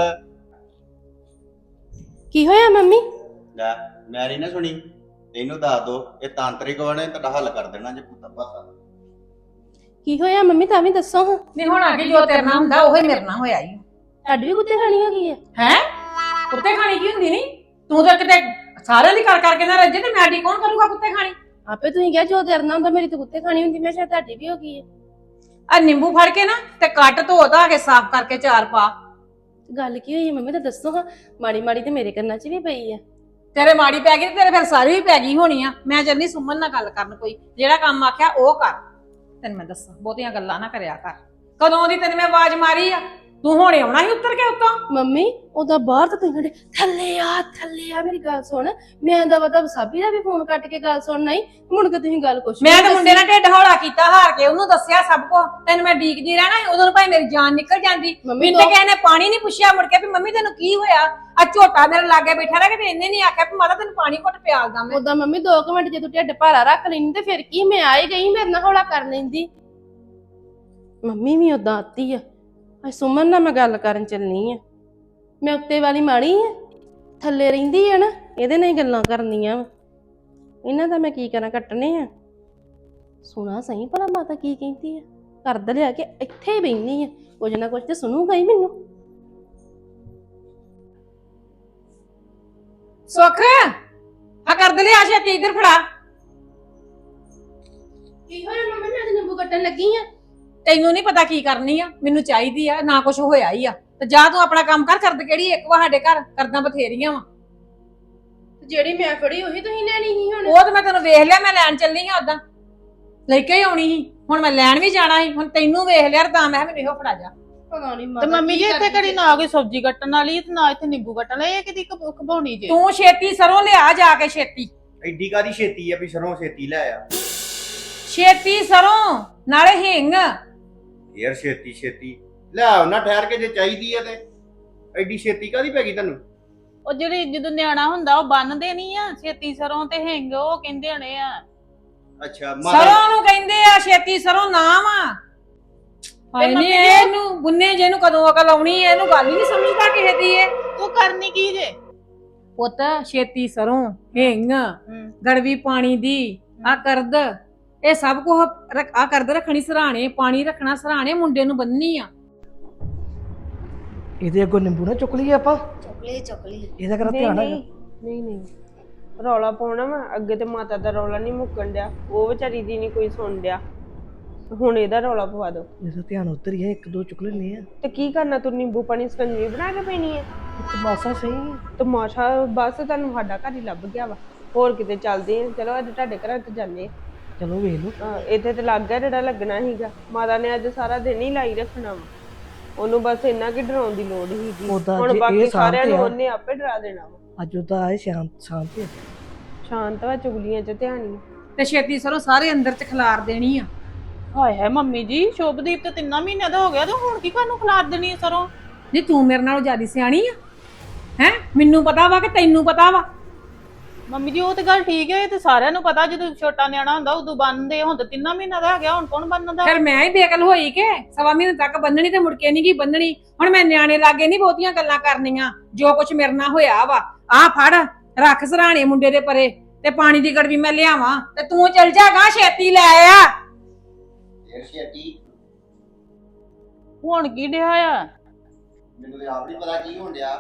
E: ਕੀ ਹੋਇਆ ਮੰਮੀ?
D: ਲੈ ਮੈਂ ਨਹੀਂ ਨਾ ਸੁਣੀ, ਇਹਨੂੰ ਦੱਸ ਦੋ, ਇਹ ਤਾਂਤਰਿਕ ਵਾਲੇ ਤੁਹਾਡਾ ਹੱਲ ਕਰ ਦੇਣਾ ਜੇ ਪੁੱਤਾ ਪਾਸਾ।
E: ਕੀ ਹੋਇਆ ਮੰਮੀ ਤਾਂ ਵੀ ਦੱਸੋ ਹਾਂ।
A: ਨਹੀਂ ਹੁਣ ਅੱਗੇ ਜੋ ਤੇਰੇ ਨਾਲ ਹੁੰਦਾ ਉਹੀ ਮੇਰੇ ਨਾਲ ਹੋਇਆ ਹੀ।
E: ਤੁਹਾਡੀ ਵੀ ਕੁੱਤੇ ਖਾਣੀ ਹੋ ਗਈ ਹੈ?
A: ਹੈ ਕੁੱਤੇ ਖਾਣੀ ਕੀ ਹੁੰਦੀ? ਨਹੀਂ ਤੂੰ ਤਾਂ ਕਿਤੇ ਸਾਰਿਆਂ ਦੀ ਕਰ ਕਰਕੇ ਨਾ ਰੱਜੇ ਤੇ ਮੈਡੀ ਕੌਣ ਕਰੂਗਾ ਕੁੱਤੇ ਖਾਣੀ?
E: ਆਪੇ ਤੁਸੀਂ ਕਿਹਾ ਜੋ ਤੇਰੇ ਨਾਲ ਹੁੰਦਾ ਮੇਰੀ ਤਾਂ ਕੁੱਤੇ ਖਾਣੀ ਹੁੰਦੀ, ਮੈਂ ਸ਼ਾਇਦ ਤੁਹਾਡੀ ਵੀ ਹੋ ਗਈ ਹੈ।
A: ਆ ਨਿੰਬੂ ਫੜ ਕੇ ਨਾ ਤੇ ਕੱਟ ਧੋ ਧਾ ਕੇ ਸਾਫ਼ ਕਰਕੇ ਚਾਰ ਪਾ।
E: ਗੱਲ ਕੀ ਹੋਈ ਮੰਮੀ ਤਾਂ ਦੱਸੋ ਹਾਂ। ਮਾੜੀ ਮਾੜੀ ਤੇ ਮੇਰੇ ਕੰਨਾਂ 'ਚ ਵੀ ਪਈ ਹੈ।
A: ਤੇਰੇ ਮਾੜੀ ਪੈ ਗਈ ਤੇ ਤੇਰੇ ਫਿਰ ਸਾਰੀ ਵੀ ਪੈ ਗਈ ਹੋਣੀ ਆ। ਮੈਂ ਚੱਲੀ ਸੁਮਨ ਨਾਲ ਗੱਲ ਕਰਨ, ਕੋਈ ਜਿਹੜਾ ਕੰਮ ਆਖਿਆ ਉਹ ਕਰ। ਤੈਨੂੰ ਮੈਂ ਦੱਸਾਂ ਬਹੁਤੀਆਂ ਗੱਲਾਂ ਨਾ ਕਰਿਆ ਕਰ। ਕਦੋਂ ਦੀ ਤੈਨੂੰ ਮੈਂ ਆਵਾਜ਼ ਮਾਰੀ ਆ? ਤੂੰ ਹੁਣੇ ਆਉਣਾ ਸੀ ਉੱਤਰ ਕੇ ਉੱਤੋਂ।
E: ਮੰਮੀ ਉਹਦਾ ਬਾਹਰ ਤਾਂ ਤੁਸੀਂ ਕਹਿੰਦੇ ਥੱਲੇ ਆ ਮੇਰੀ ਗੱਲ ਸੁਣ। ਮੈਂ ਦਾ ਵਤਾ ਸਾਬੀ ਦਾ ਵੀ ਫੋਨ ਕੱਟ ਕੇ ਗੱਲ ਸੁਣ ਨਹੀਂ ਮੁੜ ਕੇ ਤੁਸੀਂ ਗੱਲ ਕੁਛ
A: ਮੈਂ
E: ਨਹੀਂ
A: ਤਾਂ ਮੁੰਡੇ
E: ਦੱਸੀ।
A: ਨਾਲ ਢਿੱਡ ਹੌਲਾ ਕੀਤਾ ਹਾਰ ਕੇ ਉਹਨੂੰ ਦੱਸਿਆ ਸਭ ਕੁਝ। ਤੈਨੂੰ ਮੈਂ ਡੀਕਦੀ ਰਹਿਣਾ ਸੀ, ਉਦੋਂ ਨੂੰ ਭਾਈ ਮੇਰੀ ਜਾਨ ਨਿਕਲ ਜਾਂਦੀ।
E: ਮੰਮੀ
A: ਮੈਨੂੰ ਤੇ ਕਿਸੇ ਨੇ ਪਾਣੀ ਨਹੀਂ ਪੁੱਛਿਆ ਮੁੜ ਕੇ ਵੀ ਮੰਮੀ ਤੈਨੂੰ ਕੀ ਹੋਇਆ। ਆ ਝੋਟਾ ਮੇਰੇ ਲਾਗੇ ਬੈਠਾ ਰਹਿ ਕੇ ਤੇ ਇਹਨੇ ਨਹੀਂ ਆਖਿਆ ਵੀ ਮਾਤਾ ਤੈਨੂੰ ਪਾਣੀ ਘੁੱਟ ਪਿਆਲਦਾ ਮੈਂ।
E: ਉਦਾਂ ਮੰਮੀ 2 ਮਿੰਟ ਜੇ ਤੂੰ ਢਿੱਡ ਭਾਰਾ ਰੱਖ ਲੈਂਦੀ ਤੇ ਫਿਰ ਕੀ ਮੈਂ ਆਈ ਗਈ ਮੇਰੇ ਨਾਲ ਹੌਲਾ ਕਰ ਲੈਂਦੀ। ਮੰਮੀ ਵੀ ਉਦਾਂ ਆਤੀ ਆ। ਅੱਜ ਸੁਮਨ ਨਾਲ ਮੈਂ ਗੱਲ ਕਰਨ ਚੱਲਣੀ ਆ। ਮੈਂ ਉੱਤੇ ਵਾਲੀ ਮਾੜੀ ਆ, ਥੱਲੇ ਰਹਿੰਦੀ ਆ ਨਾ, ਇਹਦੇ ਨਾਲ ਹੀ ਗੱਲਾਂ ਕਰਨੀਆਂ ਵਾ। ਇਹਨਾਂ ਦਾ ਮੈਂ ਕੀ ਕਰਾਂ, ਕੱਟਣੇ ਆ। ਸੁਣਾ ਸਹੀ ਭਲਾ ਮਾਤਾ ਕੀ ਕਹਿੰਦੀ ਆ। ਕਰਦ ਲਿਆ ਕੇ ਇੱਥੇ ਹੀ ਬੈਠੀ ਆ, ਕੁਝ ਨਾ ਕੁਝ ਤੇ ਸੁਣੂਗਾ ਹੀ ਮੈਨੂੰ।
A: ਸੁੱਖ ਆ ਕਰ ਦੇ ਲਿਆ ਛੇਤੀ ਇੱਧਰ ਫੜਾ।
E: ਕੀ ਹੋਇਆ ਮੰਮੀ, ਮੈਂ ਤੇ ਨਿੰਬੂ ਕੱਟਣ ਲੱਗੀ ਆ।
A: ਤੈਨੂੰ ਨਹੀਂ ਪਤਾ ਕੀ ਕਰਨੀ ਆ, ਮੈਨੂੰ ਚਾਹੀਦੀ ਆ ਨਾ ਕੁਝ ਹੋਇਆ ਹੀ ਆ। ਤੇ ਜਾ ਤੂੰ ਆਪਣਾ ਕੰਮ ਕਰ। ਕਰਦ ਕਿਹੜੀ ਇੱਕ ਵਾ ਸਾਡੇ ਘਰ, ਕਰਦਾਂ ਬਥੇਰੀਆਂ ਵਾ।
E: ਜਿਹੜੀ ਮੈਂ ਫੜੀ ਉਹੀ ਤੁਸੀਂ ਲੈਣੀ ਸੀ ਹੁਣ।
A: ਉਹ ਤਾਂ ਮੈਂ ਤੈਨੂੰ ਵੇਖ ਲਿਆ, ਮੈਂ ਲੈਣ ਚੱਲੀ ਆ। ਉਦਾਂ ਲੈ ਕੇ ਹੀ ਆਉਣੀ ਸੀ, ਹੁਣ ਮੈਂ ਲੈਣ ਵੀ ਜਾਣਾ ਸੀ। ਹੁਣ ਤੈਨੂੰ ਵੇਖ ਲਿਆ ਤਾਂ ਮੈਂ ਕਿਹਾ ਮੈਨੂੰ ਇਹੋ ਫੜਾ ਜਾ।
E: ਪਤਾ ਨਹੀਂ
C: ਤੇ ਮੰਮੀ ਜੀ ਇੱਥੇ ਕਿਹੜੀ ਨਾ ਕੋਈ ਸਬਜ਼ੀ ਕੱਟਣ ਵਾਲੀ ਤੇ ਨਾ ਇੱਥੇ ਨਿੰਬੂ ਕੱਟਣ ਵਾਲੀ, ਇਹ ਕਿਦੀ ਖਬਾਉਣੀ ਜੇ।
A: ਤੂੰ ਛੇਤੀ ਸਰੋਂ ਲਿਆ ਜਾ ਕੇ ਛੇਤੀ।
D: ਐਡੀ ਕਾਦੀ ਛੇਤੀ ਆ ਵੀ ਸਰੋਂ ਛੇਤੀ ਲੈ ਆ।
A: ਛੇਤੀ ਸਰੋਂ ਨਾਲੇ ਹਿੰਗ।
D: ਯਾਰ ਛੇਤੀ ਲੈ ਉਹਨਾਂ ਠਹਿਰ ਕੇ ਜੇ ਚਾਹੀਦੀ ਆ ਤੇ ਐਡੀ ਛੇਤੀ ਕਾਦੀ ਪੈ ਗਈ ਤੁਹਾਨੂੰ?
C: ਉਹ ਜਿਹੜੀ ਜਦੋਂ ਨਿਆਣਾ ਹੁੰਦਾ ਉਹ ਬੰਨਦੇ ਨਹੀਂ ਆ ਛੇਤੀ ਸਰੋਂ ਤੇ ਹਿੰਗ, ਉਹ ਕਹਿੰਦੇ ਹਣੇ ਆ।
D: ਅੱਛਾ
A: ਸਰੋਂ ਨੂੰ ਕਹਿੰਦੇ ਆ ਛੇਤੀ ਸਰੋਂ ਨਾਮ ਆ। ਹਾਏ ਨੀ ਇਹਨੂੰ ਬੁੰਨੇ ਜਿਹਨੂੰ ਕਦੋਂ ਅਕਲ ਆਉਣੀ ਹੈ, ਇਹਨੂੰ ਗੱਲ ਹੀ ਨਹੀਂ ਸਮਝਦਾ ਕਿਸੇ ਦੀ ਇਹ।
C: ਤੂੰ ਕਰਨੀ ਕੀ ਜੇ?
A: ਪੁੱਤ ਛੇਤੀ ਸਰੋਂ ਹਿੰਗ ਗੜਵੀ ਪਾਣੀ ਦੀ ਆ ਕਰਦ, ਇਹ ਸਭ ਕੁਝ ਆ ਕਰਦ ਰੱਖਣੀ ਸਰਾਣੇ, ਪਾਣੀ ਰੱਖਣਾ ਸਰਾਣੇ, ਮੁੰਡੇ ਨੂੰ ਬੰਨਣੀ ਆ।
G: ਇਹਦੇ ਅੱਗੋਂ ਨਿੰਬੂ ਨਾ ਚੁੱਕ ਲਈਏ ਆਪਾਂ।
E: ਚੁੱਕ ਲਈ
G: ਇਹਦਾ ਕਰਾ ਧਿਆਨ ਹੈਗਾ।
H: ਨਹੀਂ ਰੌਲਾ ਪਾਉਣਾ ਵਾ ਅੱਗੇ ਤੇ ਮਾਤਾ ਦਾ ਰੌਲਾ ਨਹੀਂ ਮੁੱਕਣ ਡਿਆ, ਉਹ ਵਿਚਾਰੀ ਦੀ ਨਹੀਂ ਕੋਈ ਸੁਣ ਡਿਆ, ਹੁਣ ਇਹਦਾ ਰੌਲਾ ਪਵਾ ਦੋ।
G: ਇਹਦਾ ਧਿਆਨ ਉੱਧਰ ਹੀ ਹੈ, 1-2 ਚੁੱਕ ਲੈਣੇ ਆ।
H: ਤੇ ਕੀ ਕਰਨਾ, ਤੂੰ ਨਿੰਬੂ ਪਾਣੀ ਸਕੰਜਵੀ ਬਣਾ ਕੇ ਪੀਣੀ ਹੈ?
G: ਤਮਾਸ਼ਾ ਸਹੀ।
H: ਤਮਾਸ਼ਾ ਬਸ ਤੁਹਾਨੂੰ ਸਾਡਾ ਘਰ ਹੀ ਲੱਭ ਗਿਆ ਵਾ, ਹੋਰ ਕਿਤੇ ਚੱਲਦੇ ਆ। ਚਲੋ ਅੱਜ ਤੁਹਾਡੇ ਘਰਾਂ ਤੇ ਜਾਂਦੇ
G: ਚਲੋ ਵੇਖ ਲਓ।
H: ਆ। ਇੱਥੇ ਤੇ ਲੱਗ ਗਿਆ ਜਿਹੜਾ ਲੱਗਣਾ ਸੀਗਾ। ਮਾਤਾ ਨੇ ਅੱਜ ਸਾਰਾ ਦਿਨ ਹੀ ਲਾਈ ਰੱਖਣਾ ਵਾ, ਉਹਨੂੰ ਬਸ ਇੰਨਾ ਕਿ ਡਰਾਉਣ ਦੀ ਲੋੜ ਸੀਗੀ। ਹੁਣ ਬਾਕੀ ਸਾਰਿਆਂ ਨੂੰ ਉਹਨੇ ਆਪੇ ਡਰਾ ਦੇਣਾ ਵਾ।
G: ਅੱਜ ਉਹਦਾ ਆਏ ਸ਼ਾਂਤ ਹੈ।
H: ਸ਼ਾਂਤ ਵਾ, ਚੁਗਲੀਆਂ ਚ ਧਿਆਨ ਹੀ।
A: ਤੇ ਛੇਤੀ ਸਰੋਂ ਸਾਰੇ ਅੰਦਰ ਚ ਖਿਲਾਰ ਦੇਣੀ ਆ।
C: ਹਾਏ ਹਾਏ ਮੰਮੀ ਜੀ, ਸ਼ੁਭਦੀਪ ਤੇ 3 ਮਹੀਨਿਆਂ ਦਾ ਹੋ ਗਿਆ ਤੇ ਹੁਣ ਕੀ ਕਾਹਨੂੰ ਖਿਲਾਰ ਦੇਣੀ ਹੈ ਸਰੋਂ?
A: ਨਹੀਂ ਤੂੰ ਮੇਰੇ ਨਾਲੋਂ ਜ਼ਿਆਦਾ ਸਿਆਣੀ ਆ ਹੈ? ਮੈਨੂੰ ਪਤਾ ਵਾ ਕਿ ਤੈਨੂੰ ਪਤਾ ਵਾ?
C: ਮੰਮੀ ਜੀ ਉਹ ਤੇ ਗੱਲ ਠੀਕ ਹੈ, ਇਹ ਤੇ ਸਾਰਿਆਂ ਨੂੰ ਪਤਾ, ਜਦੋਂ ਛੋਟਾ ਨਿਆਣਾ ਹੁੰਦਾ ਉਦੋਂ ਬੰਨਦੇ। ਹੁਣ ਤਾਂ 3 ਮਹੀਨਿਆਂ ਦਾ ਹੋ ਗਿਆ, ਹੁਣ ਕੌਣ ਬੰਨਦਾ?
A: ਫਿਰ ਮੈਂ ਹੀ ਬੇਕਲ ਹੋਈ ਕਿ ਸਵਾ ਮਹੀਨੇ ਤੱਕ ਬੰਨਣੀ ਤੇ ਮੁੜ ਕੇ ਨਹੀਂ ਗਈ ਬੰਨਣੀ। ਹੁਣ ਮੈਂ ਨਿਆਣੇ ਲਾਗੇ ਨਹੀਂ ਬਹੁਤੀਆਂ ਗੱਲਾਂ ਕਰਨੀਆਂ। ਜੋ ਕੁਝ ਮੇਰੇ ਨਾਲ ਹੋਇਆ ਵਾ ਆ ਫੜ ਰੱਖ ਸਰਾਣੇ ਮੁੰਡੇ ਦੇ ਪਰੇ, ਤੇ ਪਾਣੀ ਦੀ ਗੜਵੀ ਮੈਂ ਲਿਆਵਾਂ ਤੇ ਤੂੰ ਚਲ ਜਾਗਾ ਛੇਤੀ ਲੈ ਆ।
C: ਹੁਣ ਕੀ ਡਿਆ ਆ?
D: ਮੈਨੂੰ ਤੇ ਆਪ ਨਹੀਂ ਪਤਾ ਕੀ ਹੋਣ ਡਿਆ।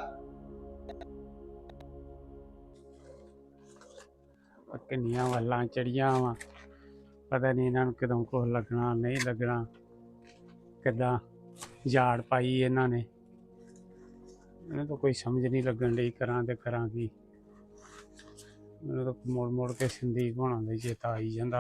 I: ਕਿੰਨੀਆਂ ਵੱਲਾਂ ਚੜੀਆਂ ਵਾ, ਪਤਾ ਨਹੀਂ ਇਹਨਾਂ ਨੂੰ ਕਦੋਂ ਕੁਛ ਲੱਗਣਾ ਨਹੀਂ ਲੱਗਣਾ, ਕਿੱਦਾਂ ਝਾੜ ਪਾਈ ਇਹਨਾਂ ਨੇ। ਮੈਨੂੰ ਤਾਂ ਕੋਈ ਸਮਝ ਨਹੀਂ ਲੱਗਣ ਡਈ ਕਰਾਂ ਤੇ ਕਰਾਂ ਕੀ। ਮੈਨੂੰ ਤਾਂ ਮੁੜ ਕੇ ਸੰਦੀਪ ਹੋਣਾ ਦਾ ਚੇਤਾ ਆਈ ਜਾਂਦਾ।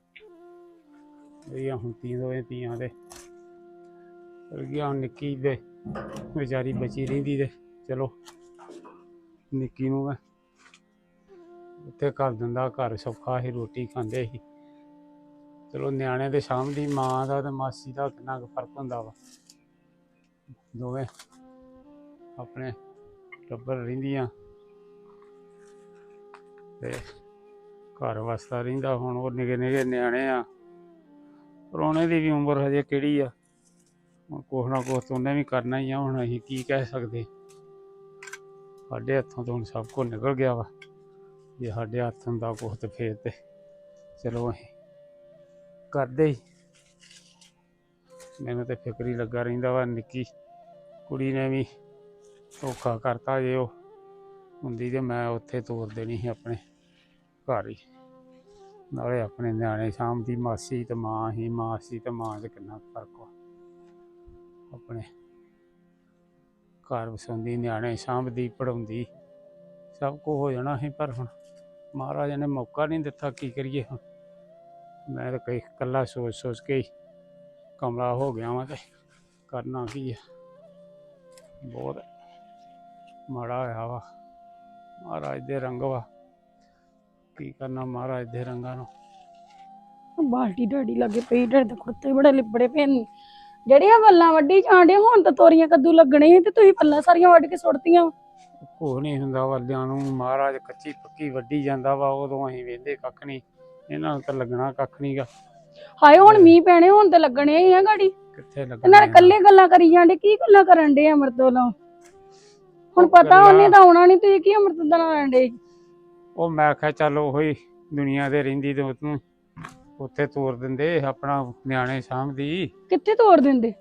I: ਇਹ ਹੁਣ ਦੋਵੇਂ ਧੀਆਂ ਦੇ ਗਿਆ, ਹੁਣ ਨਿੱਕੀ ਦੇ ਵਿਚਾਰੀ ਬਚੀ ਰਹਿੰਦੀ ਤੇ ਚਲੋ ਨਿੱਕੀ ਨੂੰ ਮੈਂ ਉੱਥੇ ਕਰ ਦਿੰਦਾ, ਘਰ ਸੌਖਾ ਸੀ, ਰੋਟੀ ਖਾਂਦੇ ਸੀ। ਚਲੋ ਨਿਆਣੇ ਦੇ ਸਾਹਮਣੇ ਮਾਂ ਦਾ ਤੇ ਮਾਸੀ ਦਾ ਕਿੰਨਾ ਕੁ ਫਰਕ ਹੁੰਦਾ ਵਾ। ਦੋਵੇਂ ਆਪਣੇ ਟੱਬਰ ਰਹਿੰਦੀਆਂ ਤੇ ਘਰ ਵਸਦਾ ਰਹਿੰਦਾ। ਹੁਣ ਉਹ ਨਿੱਕੇ ਨਿੱਕੇ ਨਿਆਣੇ ਆ, ਪ੍ਰਾਹੁਣੇ ਦੀ ਵੀ ਉਮਰ ਹਜੇ ਕਿਹੜੀ ਆ। ਹੁਣ ਕੁਛ ਨਾ ਕੁਛ ਤਾਂ ਉਹਨੇ ਵੀ ਕਰਨਾ ਹੀ ਆ। ਹੁਣ ਅਸੀਂ ਕੀ ਕਹਿ ਸਕਦੇ, ਸਾਡੇ ਹੱਥੋਂ ਤੋਂ ਹੁਣ ਸਭ ਕੁਝ ਨਿਕਲ ਗਿਆ ਵਾ। ਜੇ ਸਾਡੇ ਹੱਥ ਹੁੰਦਾ ਕੁਛ ਤੇ ਫੇਰ ਤੇ ਚਲੋ ਅਸੀਂ ਕਰਦੇ ਹੀ। ਮੈਨੂੰ ਤੇ ਫਿਕਰ ਹੀ ਲੱਗਾ ਰਹਿੰਦਾ ਵਾ। ਨਿੱਕੀ ਕੁੜੀ ਨੇ ਵੀ ਧੋਖਾ ਕਰਤਾ। ਜੇ ਉਹ ਹੁੰਦੀ ਤੇ ਮੈਂ ਉੱਥੇ ਤੋਰ ਦੇਣੀ ਸੀ ਆਪਣੇ ਘਰ ਹੀ, ਨਾਲੇ ਆਪਣੇ ਨਿਆਣੇ ਸਾਂਭਦੀ। ਮਾਸੀ ਤੇ ਮਾਂ ਹੀ, ਮਾਸੀ ਤੇ ਮਾਂ 'ਚ ਕਿੰਨਾ ਫਰਕ ਵਾ। ਆਪਣੇ ਘਰ ਵਸਾਉਂਦੀ, ਨਿਆਣੇ ਸਾਂਭਦੀ, ਪੜ੍ਹਾਉਂਦੀ, ਸਭ ਕੁਝ ਹੋ ਜਾਣਾ ਸੀ। ਪਰ ਹੁਣ ਮਹਾਰਾਜ ਨੇ ਮੌਕਾ ਨਹੀਂ ਦਿੱਤਾ, ਕੀ ਕਰੀਏ। ਹੁਣ ਮੈਂ ਤਾਂ ਕਈ ਇਕੱਲਾ ਸੋਚ ਕੇ ਹੀ ਕਮਲਾ ਹੋ ਗਿਆ ਵਾਂ, ਤੇ ਕਰਨਾ ਕੀ ਆ। ਬਹੁਤ ਮਾੜਾ ਹੋਇਆ ਵਾ। ਮਹਾਰਾਜ ਦੇ ਰੰਗ ਵਾ, ਕੀ ਕਰਨਾ ਮਹਾਰਾਜ ਦੇ ਰੰਗਾਂ ਨੂੰ।
A: ਬਾਲਟੀ ਡੈਡੀ ਲੱਗੇ ਪਈ, ਡੈਡੀ ਦੇ ਕੁੜਤੇ ਬੜੇ ਲਿਬੜੇ ਪਏ ਨੇ। ਜਿਹੜੀਆਂ ਵੱਲਾਂ ਵੱਢੀ ਜਾਂਦੇ ਹੁਣ ਤਾਂ ਤੋਰੀਆਂ ਕੱਦੂ ਲੱਗਣੇ ਸੀ ਤੇ ਤੁਸੀਂ ਪੱਲਾਂ ਸਾਰੀਆਂ ਵੱਢ ਕੇ ਸੁੱਟਤੀਆਂ।
I: ਕੁਛ ਨਹੀਂ ਹੁੰਦਾ ਵੱਲਿਆਂ ਨੂੰ, ਮਹਾਰਾਜ ਕੱਚੀ ਪੱਕੀ ਵੱਢੀ ਜਾਂਦਾ ਵਾ, ਉਦੋਂ ਅਸੀਂ ਵੇਂਦੇ ਕੱਖ ਨਹੀਂ, ਇਹਨਾਂ ਨੂੰ ਤਾਂ ਲੱਗਣਾ ਕੱਖ ਨਹੀਂਗਾ।
A: ਹਾਏ ਹੁਣ ਮੀਂਹ ਪੈਣੇ, ਹੁਣ ਤਾਂ ਲੱਗਣੇ ਹੀ ਆ ਗਾੜੀ।
I: ਕਿੱਥੇ
A: ਇਹਨਾਂ
I: ਲੱਗਣਾ
A: ਨੇ ਕੱਲੇ ਗੱਲਾਂ ਕਰੀ ਜਾਂਦੇ, ਕੀ ਗੱਲਾਂ ਕਰਨ ਡੇ ਅਮਰਤ ਵੱਲੋਂ? ਹੁਣ ਪਤਾ ਉਹਨੇ ਤਾਂ ਆਉਣਾ ਨਹੀਂ, ਤੁਸੀਂ ਕੀ ਅਮਰਤ ਦਾ ਨਾਂ ਲੈਣ ਡੇ?
I: ਉਹ ਮੈਂ ਕਿਹਾ ਚੱਲ ਉਹੀ ਦੁਨੀਆ ਦੇ ਰਹਿੰਦੀ ਤੇ ਉਹਨੂੰ ਉੱਥੇ ਤੋਰ ਦਿੰਦੇ, ਆਪਣਾ ਨਿਆਣੇ ਸਾਂਭਦੀ।
A: ਕਿੱਥੇ ਤੋੜ ਦਿੰਦੇ?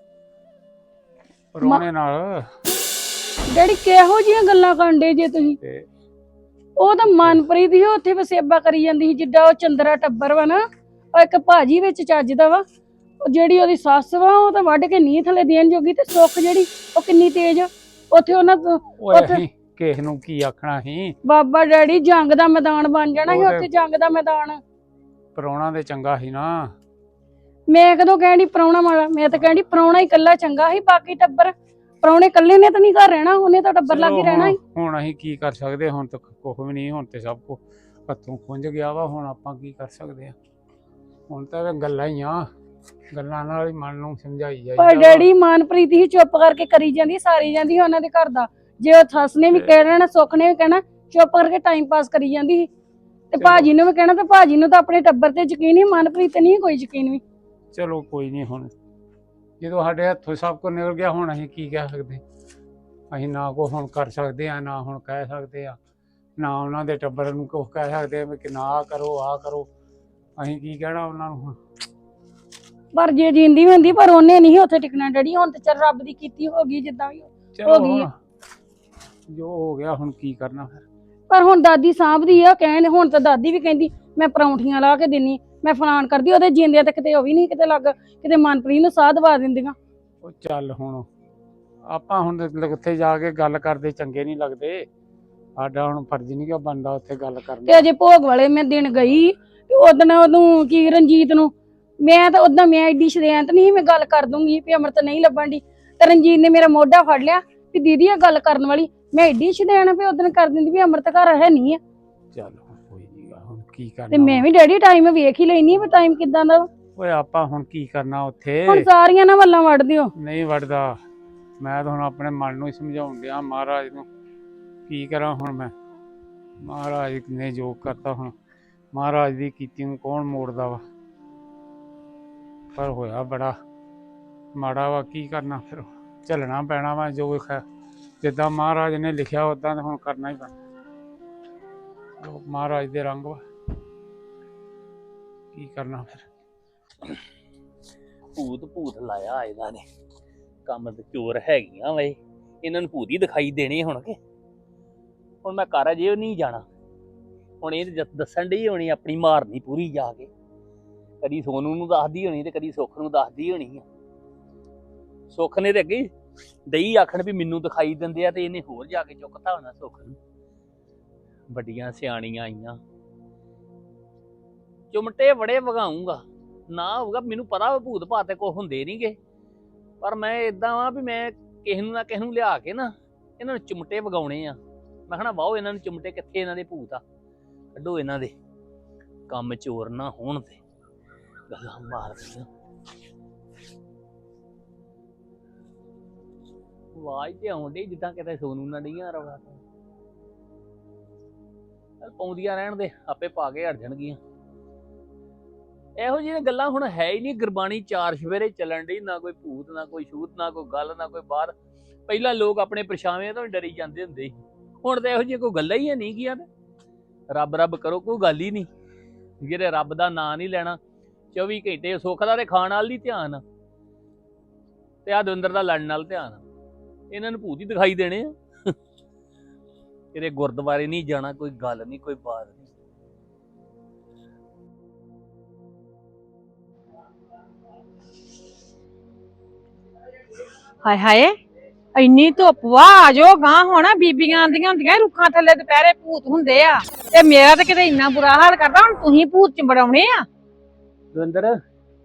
I: ਪਰੋਣੇ ਨਾਲ।
A: ਡੈਡੀ ਕਿਹੋ ਜਿਹੀਆਂ ਗੱਲਾਂ ਕਰਨ ਡੇ ਜੇ ਤੁਸੀਂ?
I: ਤੇ
A: ਉਹ ਤਾਂ ਮਨਪ੍ਰੀਤ ਹੀ ਉੱਥੇ ਵਸੇਬਾ ਕਰੀ ਜਾਂਦੀ ਸੀ, ਜਿੱਦਾਂ ਉਹ ਚੰਦਰਾ ਟੱਬਰ ਵਾ ਨਾ, ਉਹ ਇੱਕ ਭਾਜੀ ਵਿੱਚ ਚੱਜਦਾ ਵਾ। ਉਹ ਜਿਹੜੀ ਉਹਦੀ ਸੱਸ ਵਾ ਉਹ ਤਾਂ ਵੱਢ ਕੇ ਨੀਂਹ ਥੱਲੇ ਦੇਣ ਜੋਗੀ, ਤੇ ਸੁੱਖ ਜਿਹੜੀ ਉਹ ਕਿੰਨੀ ਤੇਜ਼। ਉੱਥੇ ਉਹਨਾਂ
I: ਓਏ ਅਸੀਂ ਕਿਸੇ ਨੂੰ ਕੀ ਆਖਣਾ ਸੀ?
A: ਬਾਬਾ ਡੈਡੀ ਜੰਗ ਦਾ ਮੈਦਾਨ ਬਣ ਜਾਣਾ ਸੀ ਉੱਥੇ, ਜੰਗ ਦਾ ਮੈਦਾਨ।
I: ਪਰੋਣਾ ਦੇ ਚੰਗਾ ਸੀ ਨਾ।
A: ਮੈਂ ਕਦੋਂ ਕਹਿਣੀ ਪ੍ਰਾਹੁਣਾ ਮਾੜਾ? ਮੈਂ ਤਾਂ ਕਹਿਣੀ ਪ੍ਰਾਹੁਣਾ ਹੀ ਇਕੱਲਾ ਚੰਗਾ ਸੀ, ਬਾਕੀ ਟੱਬਰ ਪ੍ਰਾਹੁਣੇ ਇਕੱਲੇ ਨੇ ਤਾਂ ਨਹੀਂ ਘਰ ਰਹਿਣਾ, ਉਹਨੇ ਤਾਂ ਟੱਬਰ ਲਾ ਕੇ ਰਹਿਣਾ ਸੀ।
I: ਹੁਣ ਅਸੀਂ ਕੀ ਕਰ ਸਕਦੇ? ਹੁਣ ਤਾਂ ਕੁਝ ਵੀ ਨਹੀਂ, ਹੁਣ ਤੇ ਸਭ ਕੁਝ ਹੱਥੋਂ ਖੁੰਝ ਗਿਆ ਵਾ। ਹੁਣ ਆਪਾਂ ਕੀ ਕਰ ਸਕਦੇ ਆ? ਹੁਣ ਤਾਂ ਗੱਲਾਂ ਹੀ ਆ, ਗੱਲਾਂ ਨਾਲ ਹੀ ਮਨ ਨੂੰ ਸਮਝਾਈ ਜਾਈਦਾ।
A: ਪਰ ਡੈਡੀ ਮਨਪ੍ਰੀਤ ਹੀ ਚੁੱਪ ਕਰਕੇ ਕਰੀ ਜਾਂਦੀ, ਸਾਰੀ ਜਾਂਦੀ ਸੀ ਉਹਨਾਂ ਦੇ ਘਰ ਦਾ। ਜੇ ਉਹ ਸੱਸ ਨੇ ਵੀ ਕਹਿਣਾ, ਸੁੱਖ ਨੇ ਵੀ ਕਹਿਣਾ, ਚੁੱਪ ਕਰਕੇ ਟਾਈਮ ਪਾਸ ਕਰੀ ਜਾਂਦੀ ਸੀ। ਤੇ ਭਾਜੀ ਨੂੰ ਵੀ ਕਹਿਣਾ, ਤੇ ਭਾਜੀ ਨੂੰ ਤਾਂ ਆਪਣੇ ਟੱਬਰ ਤੇ ਯਕੀਨ ਹੀ, ਮਨਪ੍ਰੀਤ ਤੇ ਨਹੀਂ ਕੋਈ ਯਕੀਨ ਵੀ।
I: ਚਲੋ ਕੋਈ ਨਹੀਂ, ਹੁਣ ਜਦੋਂ ਸਾਡੇ ਹੱਥੋਂ ਸਭ ਕੁਝ ਨਿਕਲ ਗਿਆ, ਹੁਣ ਅਸੀਂ ਕੀ ਕਹਿ ਸਕਦੇ? ਅਸੀਂ ਨਾ ਕੋ ਹੁਣ ਕਰ ਸਕਦੇ ਆ, ਨਾ ਹੁਣ ਕਹਿ ਸਕਦੇ ਆ, ਨਾ ਉਹਨਾਂ ਦੇ ਟੱਬਰ ਨੂੰ ਕੁਛ ਕਹਿ ਸਕਦੇ ਆ ਕਿ ਨਾ ਆਹ ਕਰੋ ਆਹ ਕਰੋ। ਅਸੀਂ ਕੀ ਕਹਿਣਾ ਉਹਨਾਂ ਨੂੰ ਹੁਣ?
A: ਪਰ ਜੇ ਜਿੰਦੀ ਹੁੰਦੀ, ਪਰ ਉਹਨੇ ਨਹੀਂ ਉੱਥੇ ਟਿਕਣਾ ਡੈਡੀ। ਹੁਣ ਤੇ ਚੱਲ ਰੱਬ ਦੀ ਕੀਤੀ ਹੋ ਗਈ, ਜਿੱਦਾਂ ਵੀ
I: ਚਲੋ
A: ਹੋ ਗਈ।
I: ਹੁਣ ਜੋ ਹੋ ਗਿਆ, ਹੁਣ ਕੀ ਕਰਨਾ ਫਿਰ?
A: ਪਰ ਹੁਣ ਦਾਦੀ ਸਾਂਭਦੀ ਆ, ਕਹਿਣ ਹੁਣ ਤਾਂ ਦਾਦੀ ਵੀ ਕਹਿੰਦੀ ਮੈਂ ਪਰੌਂਠੀਆਂ ਲਾ ਕੇ ਦਿੰਨੀ, ਮੈਂ ਫਲਾਣ ਕਰਦੀ। ਉਹਦੇ ਜਿੰਦਿਆਂ ਤੇ ਕਿਤੇ ਉਹ ਵੀ ਨਹੀਂ ਕਿਤੇ ਲੱਗ, ਕਿਤੇ ਮਨਪ੍ਰੀਤ ਨੂੰ ਸਾਹ ਦਵਾ ਦਿੰਦੀਆਂ।
I: ਉਹ ਚੱਲ ਹੁਣ ਆਪਾਂ ਹੁਣ ਉੱਥੇ ਜਾ ਕੇ ਗੱਲ ਕਰਦੇ ਚੰਗੇ ਨਹੀਂ ਲੱਗਦੇ। ਸਾਡਾ ਹੁਣ ਫਰਜ਼ ਨਹੀਂ ਕਿ ਬਣਦਾ ਉੱਥੇ ਗੱਲ ਕਰਨਾ।
A: ਤੇ ਅਜੇ ਭੋਗ ਵਾਲੇ ਮੈਂ ਦਿਨ ਗਈ ਤੇ ਉਦਣ ਉਹਨੂੰ ਕੀ ਰਣਜੀਤ ਨੂੰ ਮੈਂ ਤਾਂ ਉਦਾਂ ਮੈਂ ਐਡੀ ਸ਼ਰੇਂਤ ਨਹੀਂ, ਮੈਂ ਗੱਲ ਕਰ ਦੂੰਗੀ ਵੀ ਅਮਰਤ ਨਹੀਂ ਲੱਭਣ ਦੀ। ਤੇ ਰਣਜੀਤ ਨੇ ਮੇਰਾ ਮੋਢਾ ਫੜ ਲਿਆ ਵੀ ਦੀਦੀ ਇਹ ਗੱਲ ਕਰਨ ਵਾਲੀ। ਮੈਂ ਐਡੀ ਸ਼ਰੇਂਤ ਵੀ ਉਦਣ ਕਰ ਦਿੰਦੀ ਵੀ ਅਮਰਤ ਘਰ ਹੈ ਨਹੀਂ ਆ।
I: ਚੱਲ ਕੋਈ ਨਹੀਂ, ਹੁਣ ਕੀ ਕਰਨਾ?
A: ਤੇ ਮੈਂ ਵੀ ਡੈਡੀ ਟਾਈਮ ਵੇਖ ਹੀ ਲੈਣੀ ਵੀ ਟਾਈਮ ਕਿਦਾਂ ਦਾ।
I: ਓਏ ਆਪਾਂ ਹੁਣ ਕੀ ਕਰਨਾ ਉੱਥੇ?
A: ਹੁਣ ਸਾਰੀਆਂ ਨਾ ਵੱਲਾਂ ਵੱਢ ਦਿਓ।
I: ਨਹੀਂ ਵੜਦਾ, ਮੈਂ ਤਾਂ ਹੁਣ ਆਪਣੇ ਮਨ ਨੂੰ ਹੀ ਸਮਝਾਉਣ ਡਿਆ ਮਹਾਰਾਜ ਨੂੰ। ਕੀ ਕਰਾਂ ਹੁਣ ਮੈਂ? ਮਹਾਰਾਜ ਨੇ ਜੋ ਕਰਤਾ, ਹੁਣ ਮਹਾਰਾਜ ਦੀ ਕੀਤੀ ਨੂੰ ਕੌਣ ਮੋੜਦਾ ਵਾ? ਪਰ ਹੋਇਆ ਬੜਾ ਮਾੜਾ ਵਾ, ਕੀ ਕਰਨਾ ਫਿਰ? ਝੱਲਣਾ ਪੈਣਾ ਵਾ, ਜੋ ਜਿੱਦਾਂ ਮਹਾਰਾਜ ਨੇ ਲਿਖਿਆ ਉਦਾਂ ਤਾਂ ਹੁਣ ਕਰਨਾ ਹੀ ਪੈਣਾ। ਮਹਾਰਾਜ ਦੇ ਰੰਗ ਵਾ, ਕੀ ਕਰਨਾ ਫਿਰ?
B: ਭੂਤ ਲਾਇਆ ਇਹਨਾਂ ਨੇ, ਕੰਮ ਤੇ ਚੋਰ ਹੈਗੀਆਂ ਵੇ, ਇਹਨਾਂ ਨੂੰ ਭੂਤ ਹੀ ਦਿਖਾਈ ਦੇਣੇ ਹੁਣ ਕੇ। ਹੁਣ ਮੈਂ ਘਰ ਅਜੇ ਨਹੀਂ ਜਾਣਾ, ਹੁਣ ਇਹ ਦੱਸਣ ਡਈ ਹੋਣੀ ਆਪਣੀ ਮਾਰਨੀ ਪੂਰੀ ਜਾ ਕੇ। ਕਦੀ ਸੋਨੂ ਨੂੰ ਦੱਸਦੀ ਹੋਣੀ ਤੇ ਕਦੀ ਸੁੱਖ ਨੂੰ ਦੱਸਦੀ ਹੋਣੀ ਆ। ਸੁੱਖ ਨੇ ਤੇ ਅੱਗੇ ਦਈ ਆਖਣ ਵੀ ਮੈਨੂੰ ਦਿਖਾਈ ਦਿੰਦੇ ਆ, ਤੇ ਇਹਨੇ ਹੋਰ ਜਾ ਕੇ ਚੁੱਕਤਾ ਹੋਣਾ ਸੁੱਖ ਨੂੰ। ਵੱਡੀਆਂ ਸਿਆਣੀਆਂ ਆਈਆਂ, ਚੁਮਟੇ ਬੜੇ ਵਗਾਉਂਗਾ ਨਾ ਹੋਊਗਾ। ਮੈਨੂੰ ਪਤਾ ਭੂਤ ਭਾਤ ਤੇ ਕੁਛ ਹੁੰਦੇ ਨਹੀਂਗੇ, ਪਰ ਮੈਂ ਇਦਾਂ ਵਾਂ ਵੀ ਮੈਂ ਕਿਸੇ ਨੂੰ ਨਾ ਕਿਸੇ ਨੂੰ ਲਿਆ ਕੇ ਨਾ ਇਹਨਾਂ ਨੂੰ ਚੁਮਟੇ ਵਗਾਉਣੇ ਆ। ਮੈਂ ਕਹਿਣਾ ਵਾਓ ਇਹਨਾਂ ਨੂੰ ਚੁਮਟੇ, ਕਿੱਥੇ ਇਹਨਾਂ ਦੇ ਭੂਤ ਆ, ਕੱਢੋ ਇਹਨਾਂ ਦੇ। ਕੰਮ ਚੋਰ ਨਾ ਹੋਣ ਤੇ ਗੱਲਾਂ ਮਾਰਦੀਆਂ। ਆਵਾਜ਼ ਤੇ ਆਉਂਦੀ ਜਿੱਦਾਂ ਕਿਤੇ ਸੋਨੂ ਨਾ ਡੀਆਂ ਰਵਾ। ਪਾਉਂਦੀਆਂ ਰਹਿਣ ਦੇ, ਆਪੇ ਪਾ ਕੇ ਹਟ ਜਾਣਗੀਆਂ। ਇਹੋ ਜਿਹੀਆਂ ਗੱਲਾਂ ਹੁਣ ਹੈ ਹੀ ਨਹੀਂ। ਗੁਰਬਾਣੀ ਚਾਰ ਸਵੇਰੇ ਚੱਲਣ ਡਈ, ਨਾ ਕੋਈ ਭੂਤ ਨਾ ਕੋਈ ਛੂਤ ਨਾ ਕੋਈ ਗੱਲ ਨਾ ਕੋਈ ਬਾਤ। ਪਹਿਲਾਂ ਲੋਕ ਆਪਣੇ ਪਰਛਾਵੇਂ ਤੋਂ ਡਰੀ ਜਾਂਦੇ ਹੁੰਦੇ ਸੀ, ਹੁਣ ਤਾਂ ਇਹੋ ਜਿਹੀਆਂ ਕੋਈ ਗੱਲਾਂ ਹੀ ਨਹੀਂ ਗੀਆਂ। ਰੱਬ ਰੱਬ ਕਰੋ, ਕੋਈ ਗੱਲ ਹੀ ਨਹੀਂ। ਜਿਹੜੇ ਰੱਬ ਦਾ ਨਾਂ ਨਹੀਂ ਲੈਣਾ 24 ਘੰਟੇ, ਸੁੱਖ ਦਾ ਤੇ ਖਾਣ ਵਾਲ ਨਹੀਂ ਧਿਆਨ, ਤੇ ਆ ਦਵਿੰਦਰ ਦਾ ਲੜਨ ਨਾਲ ਧਿਆਨ। ਇਹਨਾਂ ਨੂੰ ਭੂਤ ਹੀ ਦਿਖਾਈ ਦੇਣੇ ਆ। ਇਹਦੇ ਗੁਰਦੁਆਰੇ ਨਹੀਂ ਜਾਣਾ, ਕੋਈ ਗੱਲ ਨਹੀਂ ਕੋਈ ਬਾਤ ਨਹੀਂ।
A: ਹਾਏ ਹਾਏ ਇੰਨੀ ਧੁੱਪ ਵਾ, ਆ ਜਾਓ ਗਾਂ। ਹੋਣਾ ਬੀਬੀਆਂ ਆਂਦੀਆਂ ਹੁੰਦੀਆਂ ਰੁੱਖਾਂ ਥੱਲੇ ਦੁਪਹਿਰੇ ਭੂਤ ਹੁੰਦੇ ਆ, ਤੇ ਮੇਰਾ ਤਾਂ ਕਿਤੇ ਇੰਨਾ ਬੁਰਾ ਹਾਲ ਕਰਦਾ। ਹੁਣ ਤੁਸੀਂ ਭੂਤ ਚਿੰਬੜਾਉਣੇ ਆ?
B: ਦਵਿੰਦਰ,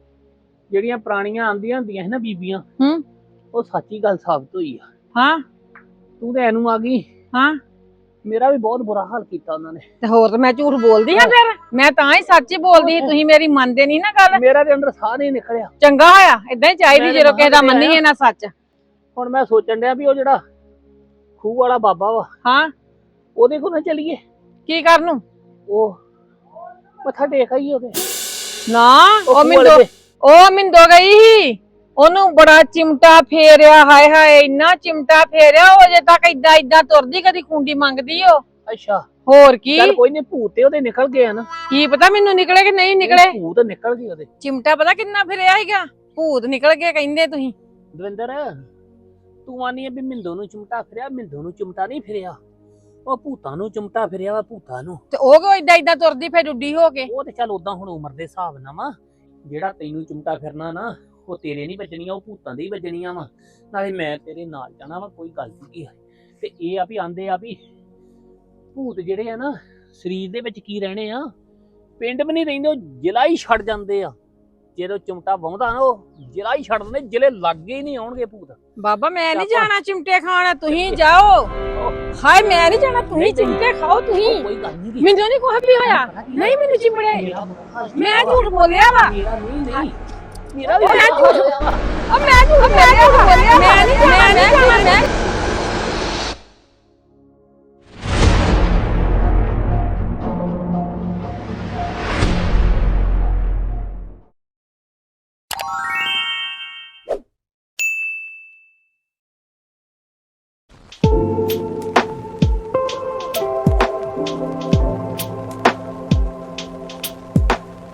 B: ਜਿਹੜੀਆਂ ਪੁਰਾਣੀਆਂ ਆਂਦੀਆਂ ਹੁੰਦੀਆਂ ਸੀ ਨਾ ਬੀਬੀਆਂ, ਉਹ ਸੱਚੀ ਗੱਲ ਸਾਬਤ ਹੋਈ ਆ।
A: ਹਾਂ,
B: ਤੂੰ ਤੇ ਐਨੂੰ ਆ ਗਈ।
A: ਹਾਂ
B: ਮੇਰਾ ਵੀ ਬਹੁਤ ਬੁਰਾ ਹਾਲ ਕੀਤਾ ਉਹਨਾਂ ਨੇ।
A: ਤੇ ਹੋਰ ਤਾਂ ਮੈਂ ਝੂਠ ਬੋਲਦੀ ਆ ਫਿਰ? ਮੈਂ ਤਾਂ ਹੀ ਸੱਚ ਹੀ ਬੋਲਦੀ, ਤੁਸੀਂ ਮੇਰੀ ਮੰਨਦੇ ਨਹੀਂ ਨਾ ਗੱਲ।
B: ਮੇਰਾ ਦੇ ਅੰਦਰ ਸਾਹ ਨਹੀਂ ਨਿਕਲਿਆ।
A: ਚੰਗਾ ਹੋਇਆ, ਇਦਾਂ ਹੀ ਚਾਹੀਦੀ ਜਦੋਂ ਕਿਸੇ ਦਾ ਮੰਨੀਏ ਨਾ ਸੱਚ।
B: ਹੁਣ ਮੈਂ ਸੋਚਣ ਡਿਆ ਵੀ ਉਹ ਜਿਹੜਾ ਖੂਹ ਵਾਲਾ ਬਾਬਾ ਵਾ,
A: ਹਾਂ
B: ਉਹਦੇ ਕੋਲ ਨਾ ਚੱਲੀਏ।
A: ਕੀ ਕਰਨ ਨੂੰ?
B: ਉਹ ਮੱਥਾ ਟੇਕ ਆਈਏ ਉਹਦੇ।
A: ਨਾ
B: ਉਹ ਖੂਹ ਵਾਲੇ ਦੇ।
A: ਉਹ ਮਿੰਦੋ ਗਈ ਸੀ, ਉਹਨੂੰ ਬੜਾ ਚਿਮਟਾ ਫੇਰਿਆ, ਹਾਏ ਹਾਏ ਇੰਨਾ ਚਿਮਟਾ ਫੇਰਿਆ, ਉਹ ਅਜੇ ਤੱਕ ਏਦਾਂ ਤੁਰਦੀ, ਕਦੀ ਖੁੰਡੀ ਮੰਗਦੀ ਉਹ।
B: ਅੱਛਾ
A: ਹੋਰ ਕੀ?
B: ਚੱਲ ਕੋਈ ਨਹੀਂ, ਭੂਤ ਤੇ ਉਹਦੇ ਨਿਕਲ ਗਏ ਆ ਨਾ।
A: ਕੀ ਪਤਾ ਮੈਨੂੰ ਨਿਕਲੇ ਕਿ ਨਹੀਂ ਨਿਕਲੇ।
B: ਭੂਤ ਨਿਕਲ ਗਏ ਉਹਦੇ।
A: ਚਿਮਟਾ ਪਤਾ ਕਿੰਨਾ ਫਿਰਿਆ ਸੀਗਾ? ਭੂਤ ਨਿਕਲ ਗਏ ਕਹਿੰਦੇ ਤੁਸੀਂ।
B: ਦਵਿੰਦਰ ਤੂੰ ਆਨੀ ਆ ਵੀ ਮਿੰਦੋ ਨੂੰ ਚਿਮਟਾ ਫਿਰਿਆ, ਮਿੰਦੋ ਨੂੰ ਚਿਮਟਾ ਨਹੀਂ ਫਿਰਿਆ, ਉਹ ਭੂਤਾਂ ਨੂੰ ਚਿਮਟਾ ਫਿਰਿਆ ਵਾ, ਭੂਤਾਂ ਨੂੰ।
A: ਤੇ ਉਹ ਕਿਉਂ ਏਦਾਂ ਤੁਰਦੀ ਫਿਰ ਉੱਡੀ ਹੋ ਕੇ?
B: ਉਹ ਤੇ ਚੱਲ ਉਦਾਂ ਹੁਣ ਉਮਰ ਦੇ ਹਿਸਾਬ ਨਾਲ ਵਾ, ਜਿਹੜਾ ਤੈਨੂੰ ਚਿਮਟਾ ਫਿਰਨਾ ਨਾ ਉਹ ਤੇਰੇ ਨਹੀਂ ਵੱਜਣੀਆਂ, ਉਹ ਭੂਤਾਂ ਦੀ ਵੱਜਣੀਆਂ ਵਾ। ਨਾਲੇ ਮੈਂ ਤੇਰੇ ਨਾਲ ਜਾਣਾ ਵਾ, ਕੋਈ ਗੱਲ ਨਹੀਂ। ਤੇ ਇਹ ਆ ਵੀ ਆਂਦੇ ਆ ਵੀ ਭੂਤ ਜਿਹੜੇ ਆ ਨਾ ਸਰੀਰ ਦੇ ਵਿੱਚ ਕੀ ਰਹਿਣੇ ਆ, ਪਿੰਡ ਵੀ ਨਹੀਂ ਰਹਿੰਦੇ, ਉਹ ਜ਼ਿਲ੍ਹਾ ਹੀ ਛੱਡ ਜਾਂਦੇ ਆ। ਜਦੋਂ ਚਿਮਟਾ ਵਾਹੁੰਦਾ ਨਾ ਉਹ ਜ਼ਿਲ੍ਹਾ ਹੀ ਛੱਡ ਦਿੰਦੇ, ਜ਼ਿਲ੍ਹੇ ਲਾਗੇ ਹੀ ਨਹੀਂ ਆਉਣਗੇ ਭੂਤ।
A: ਬਾਬਾ ਮੈਂ ਨਹੀਂ ਜਾਣਾ ਚਿਮਟੇ ਖਾਣਾ, ਤੁਸੀਂ ਜਾਓ। ਹਾਏ ਮੈਂ ਨਹੀਂ ਜਾਣਾ, ਤੁਸੀਂ ਚਿਮਟੇ ਖਾਓ ਤੁਸੀਂ।
B: ਕੋਈ ਗੱਲ ਨਹੀਂ,
A: ਮੈਨੂੰ ਨਹੀਂ ਕੁਝ ਵੀ ਹੋਇਆ, ਨਹੀਂ ਮੈਨੂੰ ਚਿਮੜੇ, ਮੈਂ ਝੂਠ ਬੋਲਿਆ ਵਾ।
B: ਮੇਰਾ ਨਹੀਂ ਮੇਰਾ ਵੀ
A: ਮੈਂ ਝੂਠ ਬੋਲਿਆ, ਮੈਂ ਨਹੀਂ ਜਾਣਾ।